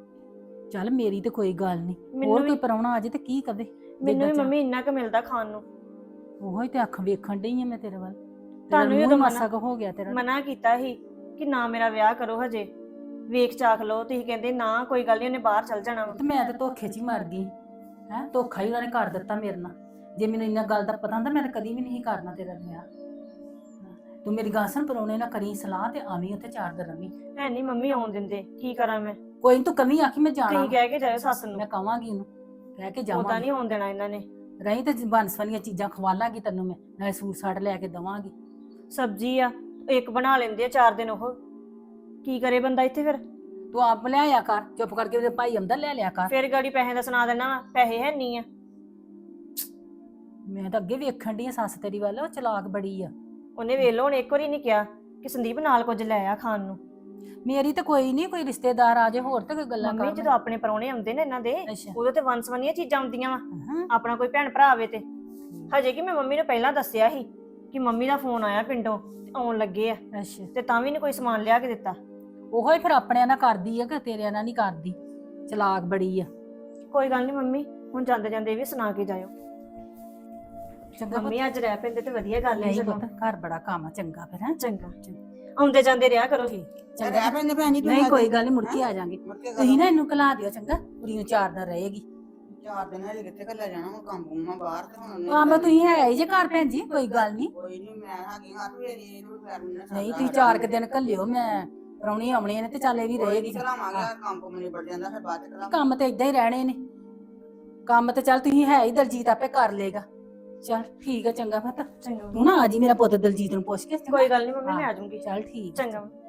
Speaker 6: ਚੱਲ ਮੇਰੀ ਤੇ ਕੋਈ ਗੱਲ ਨਹੀਂ,
Speaker 2: ਮੈਨੂੰ
Speaker 6: ਹੋਰ
Speaker 2: ਵੀ-
Speaker 6: ਕੋਈ ਪਰਾਉਣਾ ਆ ਜੇ ਤੇ ਕੀ ਕਵੇ।
Speaker 2: ਮੈਨੂੰ ਵੀ ਮੰਮੀ ਇੰਨਾ ਕੁ ਮਿਲਦਾ ਖਾਣ ਨੂੰ।
Speaker 6: ਉਹੋ ਹੀ ਤੇ ਅੱਖ ਵੇਖਣ ਡਈ ਆ ਮੈਂ ਤੇਰੇ ਵੱਲ। ਤੇਰਾ
Speaker 2: ਤੁਹਾਨੂੰ ਵੀ
Speaker 6: ਮੂੰਹ
Speaker 2: ਉਦੋਂ
Speaker 6: ਮਾਸਾ ਕੁ ਹੋ ਗਿਆ ਤੇਰਾ।
Speaker 2: ਮਨਾ ਕੀਤਾ ਸੀ ਕਿ ਨਾ ਮੇਰਾ ਵਿਆਹ ਕਰੋ ਹਜੇ, ਵੇਖ ਚਾਖ ਲਓ। ਤੁਸੀਂ ਕਹਿੰਦੇ ਨਾ ਕੋਈ ਗੱਲ ਨਹੀਂ, ਉਹਨੇ ਬਾਹਰ ਚੱਲ ਜਾਣਾ ਵਾ।
Speaker 6: ਤੇ ਮੈਂ ਤੇ ਧੋਖੇ 'ਚ ਹੀ ਮਰ ਗਈ ਹੈ। ਧੋਖਾ ਹੀ ਉਹਨਾਂ ਨੇ ਕਰ ਦਿੱਤਾ ਮੇਰੇ ਨਾਲ। ਜੇ ਮੈਨੂੰ ਇੰਨਾ ਗੱਲ ਦਾ ਪਤਾ ਹੁੰਦਾ ਮੈਂ ਤਾਂ ਕਦੀ ਵੀ ਨਹੀਂ ਕਰਨਾ ਤੇਰਾ ਵਿਆਹ। ਤੂੰ ਮੇਰੀ ਗੱਲ ਸੁਣ, ਪਰਾਉਣੇ ਨਾ ਕਰੀ ਸਲਾਹ ਤੇ ਆਵੀਂ ਉੱਥੇ 4 ਦਿਨ ਰਵੀਂ।
Speaker 2: ਹੈ ਨਹੀਂ ਮੰਮੀ ਆਉਣ ਦਿੰਦੇ, ਕੀ ਕਰਾਂ ਮੈਂ।
Speaker 6: ਕੋਈ ਨੀ, ਤੂੰ ਕਮੀ ਆਖੀ ਮੈਂ ਜਾਣਾ।
Speaker 2: ਤੁਸੀਂ ਕਹਿ ਕੇ ਜਾਇਓ ਸੱਸ ਨੂੰ।
Speaker 6: ਮੈਂ ਕਵਾਂਗੀ ਉਹਨੂੰ, ਕਹਿ ਕੇ
Speaker 2: ਉਦਾਂ
Speaker 6: ਜਾਵਾਂਗੀ।
Speaker 2: ਨਹੀਂ ਆਉਣ ਦੇਣਾ ਇਹਨਾਂ ਨੇ।
Speaker 6: ਰਹੀ ਤੇ ਬਨਸਵਨੀਆਂ ਚੀਜ਼ਾਂ ਖਵਾਲਾਂਗੀ ਤੈਨੂੰ ਮੈਂ, ਨਾਲੇ ਸੂਟ ਸਾਟ ਲੈ ਕੇ ਦਵਾਂਗੀ।
Speaker 2: ਸਬਜ਼ੀ ਆ ਇੱਕ ਬਣਾ ਲੈਂਦੇ ਆ 4 ਦਿਨ, ਉਹ ਕੀ ਕਰੇ ਬੰਦਾ ਇੱਥੇ ਫਿਰ।
Speaker 6: ਤੂੰ ਆਪ ਲਿਆਇਆ ਕਰ, ਚੁੱਪ ਕਰਕੇ ਉਹਦੇ ਭਾਈ ਆਉਂਦਾ ਲੈ ਲਿਆ ਕਰ।
Speaker 2: ਫਿਰ ਗਾੜੀ ਪੈਸੇ ਦਾ ਸੁਣਾ ਦੇਣਾ ਵਾ, ਪੈਸੇ ਹੈ ਨਹੀਂ ਆ।
Speaker 6: ਮੈਂ ਤਾਂ ਅੱਗੇ ਵੇਖਣ ਡਈ ਆ ਸੱਸ ਤੇਰੀ ਵੱਲ, ਉਹ ਚਲਾਕ ਬੜੀ ਆ।
Speaker 2: ਉਹਨੇ ਵੇਖ ਲਓ ਹੁਣ ਇੱਕ ਵਾਰੀ ਨਹੀਂ ਕਿਹਾ ਕਿ ਸੰਦੀਪ ਨਾਲ ਕੁਝ ਲੈ ਆ ਖਾਣ ਨੂੰ।
Speaker 6: ਮੇਰੀ ਤਾਂ ਕੋਈ ਨਹੀਂ, ਕੋਈ ਰਿਸ਼ਤੇਦਾਰ ਆ ਜੇ ਹੋਰ ਤੇ ਕੋਈ ਗੱਲਾਂ
Speaker 2: ਮੰਮੀ
Speaker 6: ਕਰ।
Speaker 2: ਜਦੋਂ ਆਪਣੇ ਪਰੌਣੇ ਆਉਂਦੇ ਨੇ ਇਹਨਾਂ ਦੇ,
Speaker 6: ਅੱਛਾ।
Speaker 2: ਉਦੋਂ ਤੇ ਵੰਸਵੰਨੀਆਂ ਚੀਜ਼ਾਂ ਆਉਂਦੀਆਂ ਵਾ।
Speaker 6: ਹਾਂ।
Speaker 2: ਆਪਣਾ ਕੋਈ ਭੈਣ ਭਰਾ ਆਵੇ ਤੇ ਹਜੇ ਕਿ ਮੈਂ ਮੰਮੀ ਨੂੰ ਪਹਿਲਾਂ ਦੱਸਿਆ ਸੀ ਕਿ ਮੰਮੀ ਦਾ ਫੋਨ ਆਇਆ ਪਿੰਡੋਂ ਤੇ ਆਉਣ ਲੱਗੇ ਆ,
Speaker 6: ਅੱਛਾ।
Speaker 2: ਤੇ ਤਾਂ ਵੀ ਨਹੀਂ ਕੋਈ ਸਮਾਨ ਲਿਆ ਕੇ ਦਿੱਤਾ।
Speaker 6: ਉਹੋ ਹੀ ਫਿਰ ਆਪਣਿਆਂ ਨਾਲ ਕਰਦੀ ਆ ਕਿ ਤੇਰਿਆਂ ਨਾਲ ਨਹੀਂ ਕਰਦੀ। ਚਲਾਕ ਬੜੀ ਆ।
Speaker 2: ਕੋਈ ਗੱਲ ਨਹੀਂ ਮੰਮੀ, ਹੁਣ ਜਾਂਦੇ ਜਾਂਦੇ ਇਹ ਵੀ ਸੁਣਾ ਕੇ ਜਾਇਓ।
Speaker 6: ਚੰਗਾ
Speaker 2: ਮੰਮੀ ਅੱਜ ਰਹਿ ਪੈਂਦੇ ਤੇ ਵਧੀਆ ਗੱਲ ਹੈ।
Speaker 6: ਨਹੀਂ
Speaker 2: ਚਲੋ
Speaker 6: ਪੁੱਤ, ਘਰ ਬੜਾ ਕੰਮ ਆ, ਚੰਗਾ ਫਿਰ ਹੈ।
Speaker 2: ਚੰਗਾ, ਆਉਂਦੇ ਜਾਂਦੇ ਰਿਹਾ ਕਰੋ।
Speaker 3: ਚੱਲ ਰਹਿ ਪੈਂਦੇ ਭੈਣ ਜੀ।
Speaker 6: ਨਹੀਂ ਕੋਈ ਗੱਲ ਨਹੀਂ, ਮੁੜ ਕੇ ਆ ਜਾਾਂਗੇ।
Speaker 3: ਮੁੜ ਕੇ
Speaker 6: ਤੁਸੀਂ ਨਾ ਇਹਨੂੰ ਘਲਾ ਦਿਓ ਚੰਗਾ, ਕੁੜੀ ਨੂੰ 4 ਦਿਨ ਰਹੇਗੀ।
Speaker 3: 4 ਦਿਨ ਹਲੇ ਕਿੱਥੇ ਘੱਲਿਆ ਜਾਣਾ, ਹੁਣ ਕੰਮ ਕੁੰਮਾਂ ਬਾਹਰ ਤੇ ਹੁਣ ਉਹਨੇ
Speaker 6: ਕੰਮ ਤੁਸੀਂ ਹੈ ਹੀ ਜੇ ਘਰ ਭੈਣ ਜੀ, ਕੋਈ ਗੱਲ ਨਹੀਂ।
Speaker 3: ਕੋਈ ਨਹੀਂ, ਮੈਂ ਹੈਗੀ ਹੱਥ ਵੇਰੀ ਇਹਨੂੰ ਕਰ ਲੈਣਾ।
Speaker 6: ਨਹੀਂ ਤੁਸੀਂ 4 ਦਿਨ ਘੱਲਿਓ, ਮੈਂ ਪ੍ਰਾਹੁਣੀ ਆਉਣੇ ਨੇ ਤੇ ਚੱਲ ਇਹ ਵੀ ਰਹੇਗੀ।
Speaker 3: ਚਲਾਵਾਂਗੇ, ਕੰਮ ਕੁੰਮ ਨਹੀਂ ਬੜ ਜਾਂਦਾ ਫਿਰ ਬਾਅਦ ਚ ਕਰਾਂਗੇ।
Speaker 6: ਕੰਮ ਤੇ ਇਦਾਂ ਹੀ ਰਹਿਣੇ ਨੇ। ਕੰਮ ਤੇ ਚੱਲ ਤੁਸੀਂ ਹੈ ਹੀ, ਦਲਜੀਤ ਆਪੇ ਕਰ ਲੇਗਾ। ਚੱਲ ਠੀਕ ਆ, ਚੰਗਾ ਪੁੱਤ।
Speaker 2: ਚੰਗਾ
Speaker 6: ਤੂੰ ਨਾ ਆ ਜੀ ਮੇਰਾ ਪੁੱਤ ਦਲਜੀਤ ਨੂੰ ਪੁੱਛ ਕੇ।
Speaker 2: ਕੋਈ ਗੱਲ ਨਹੀਂ ਮੰਮੀ, ਮੈਂ ਆ ਜਾਊਂਗੀ।
Speaker 6: ਚੱਲ ਠੀਕ।
Speaker 2: ਚੰਗਾ।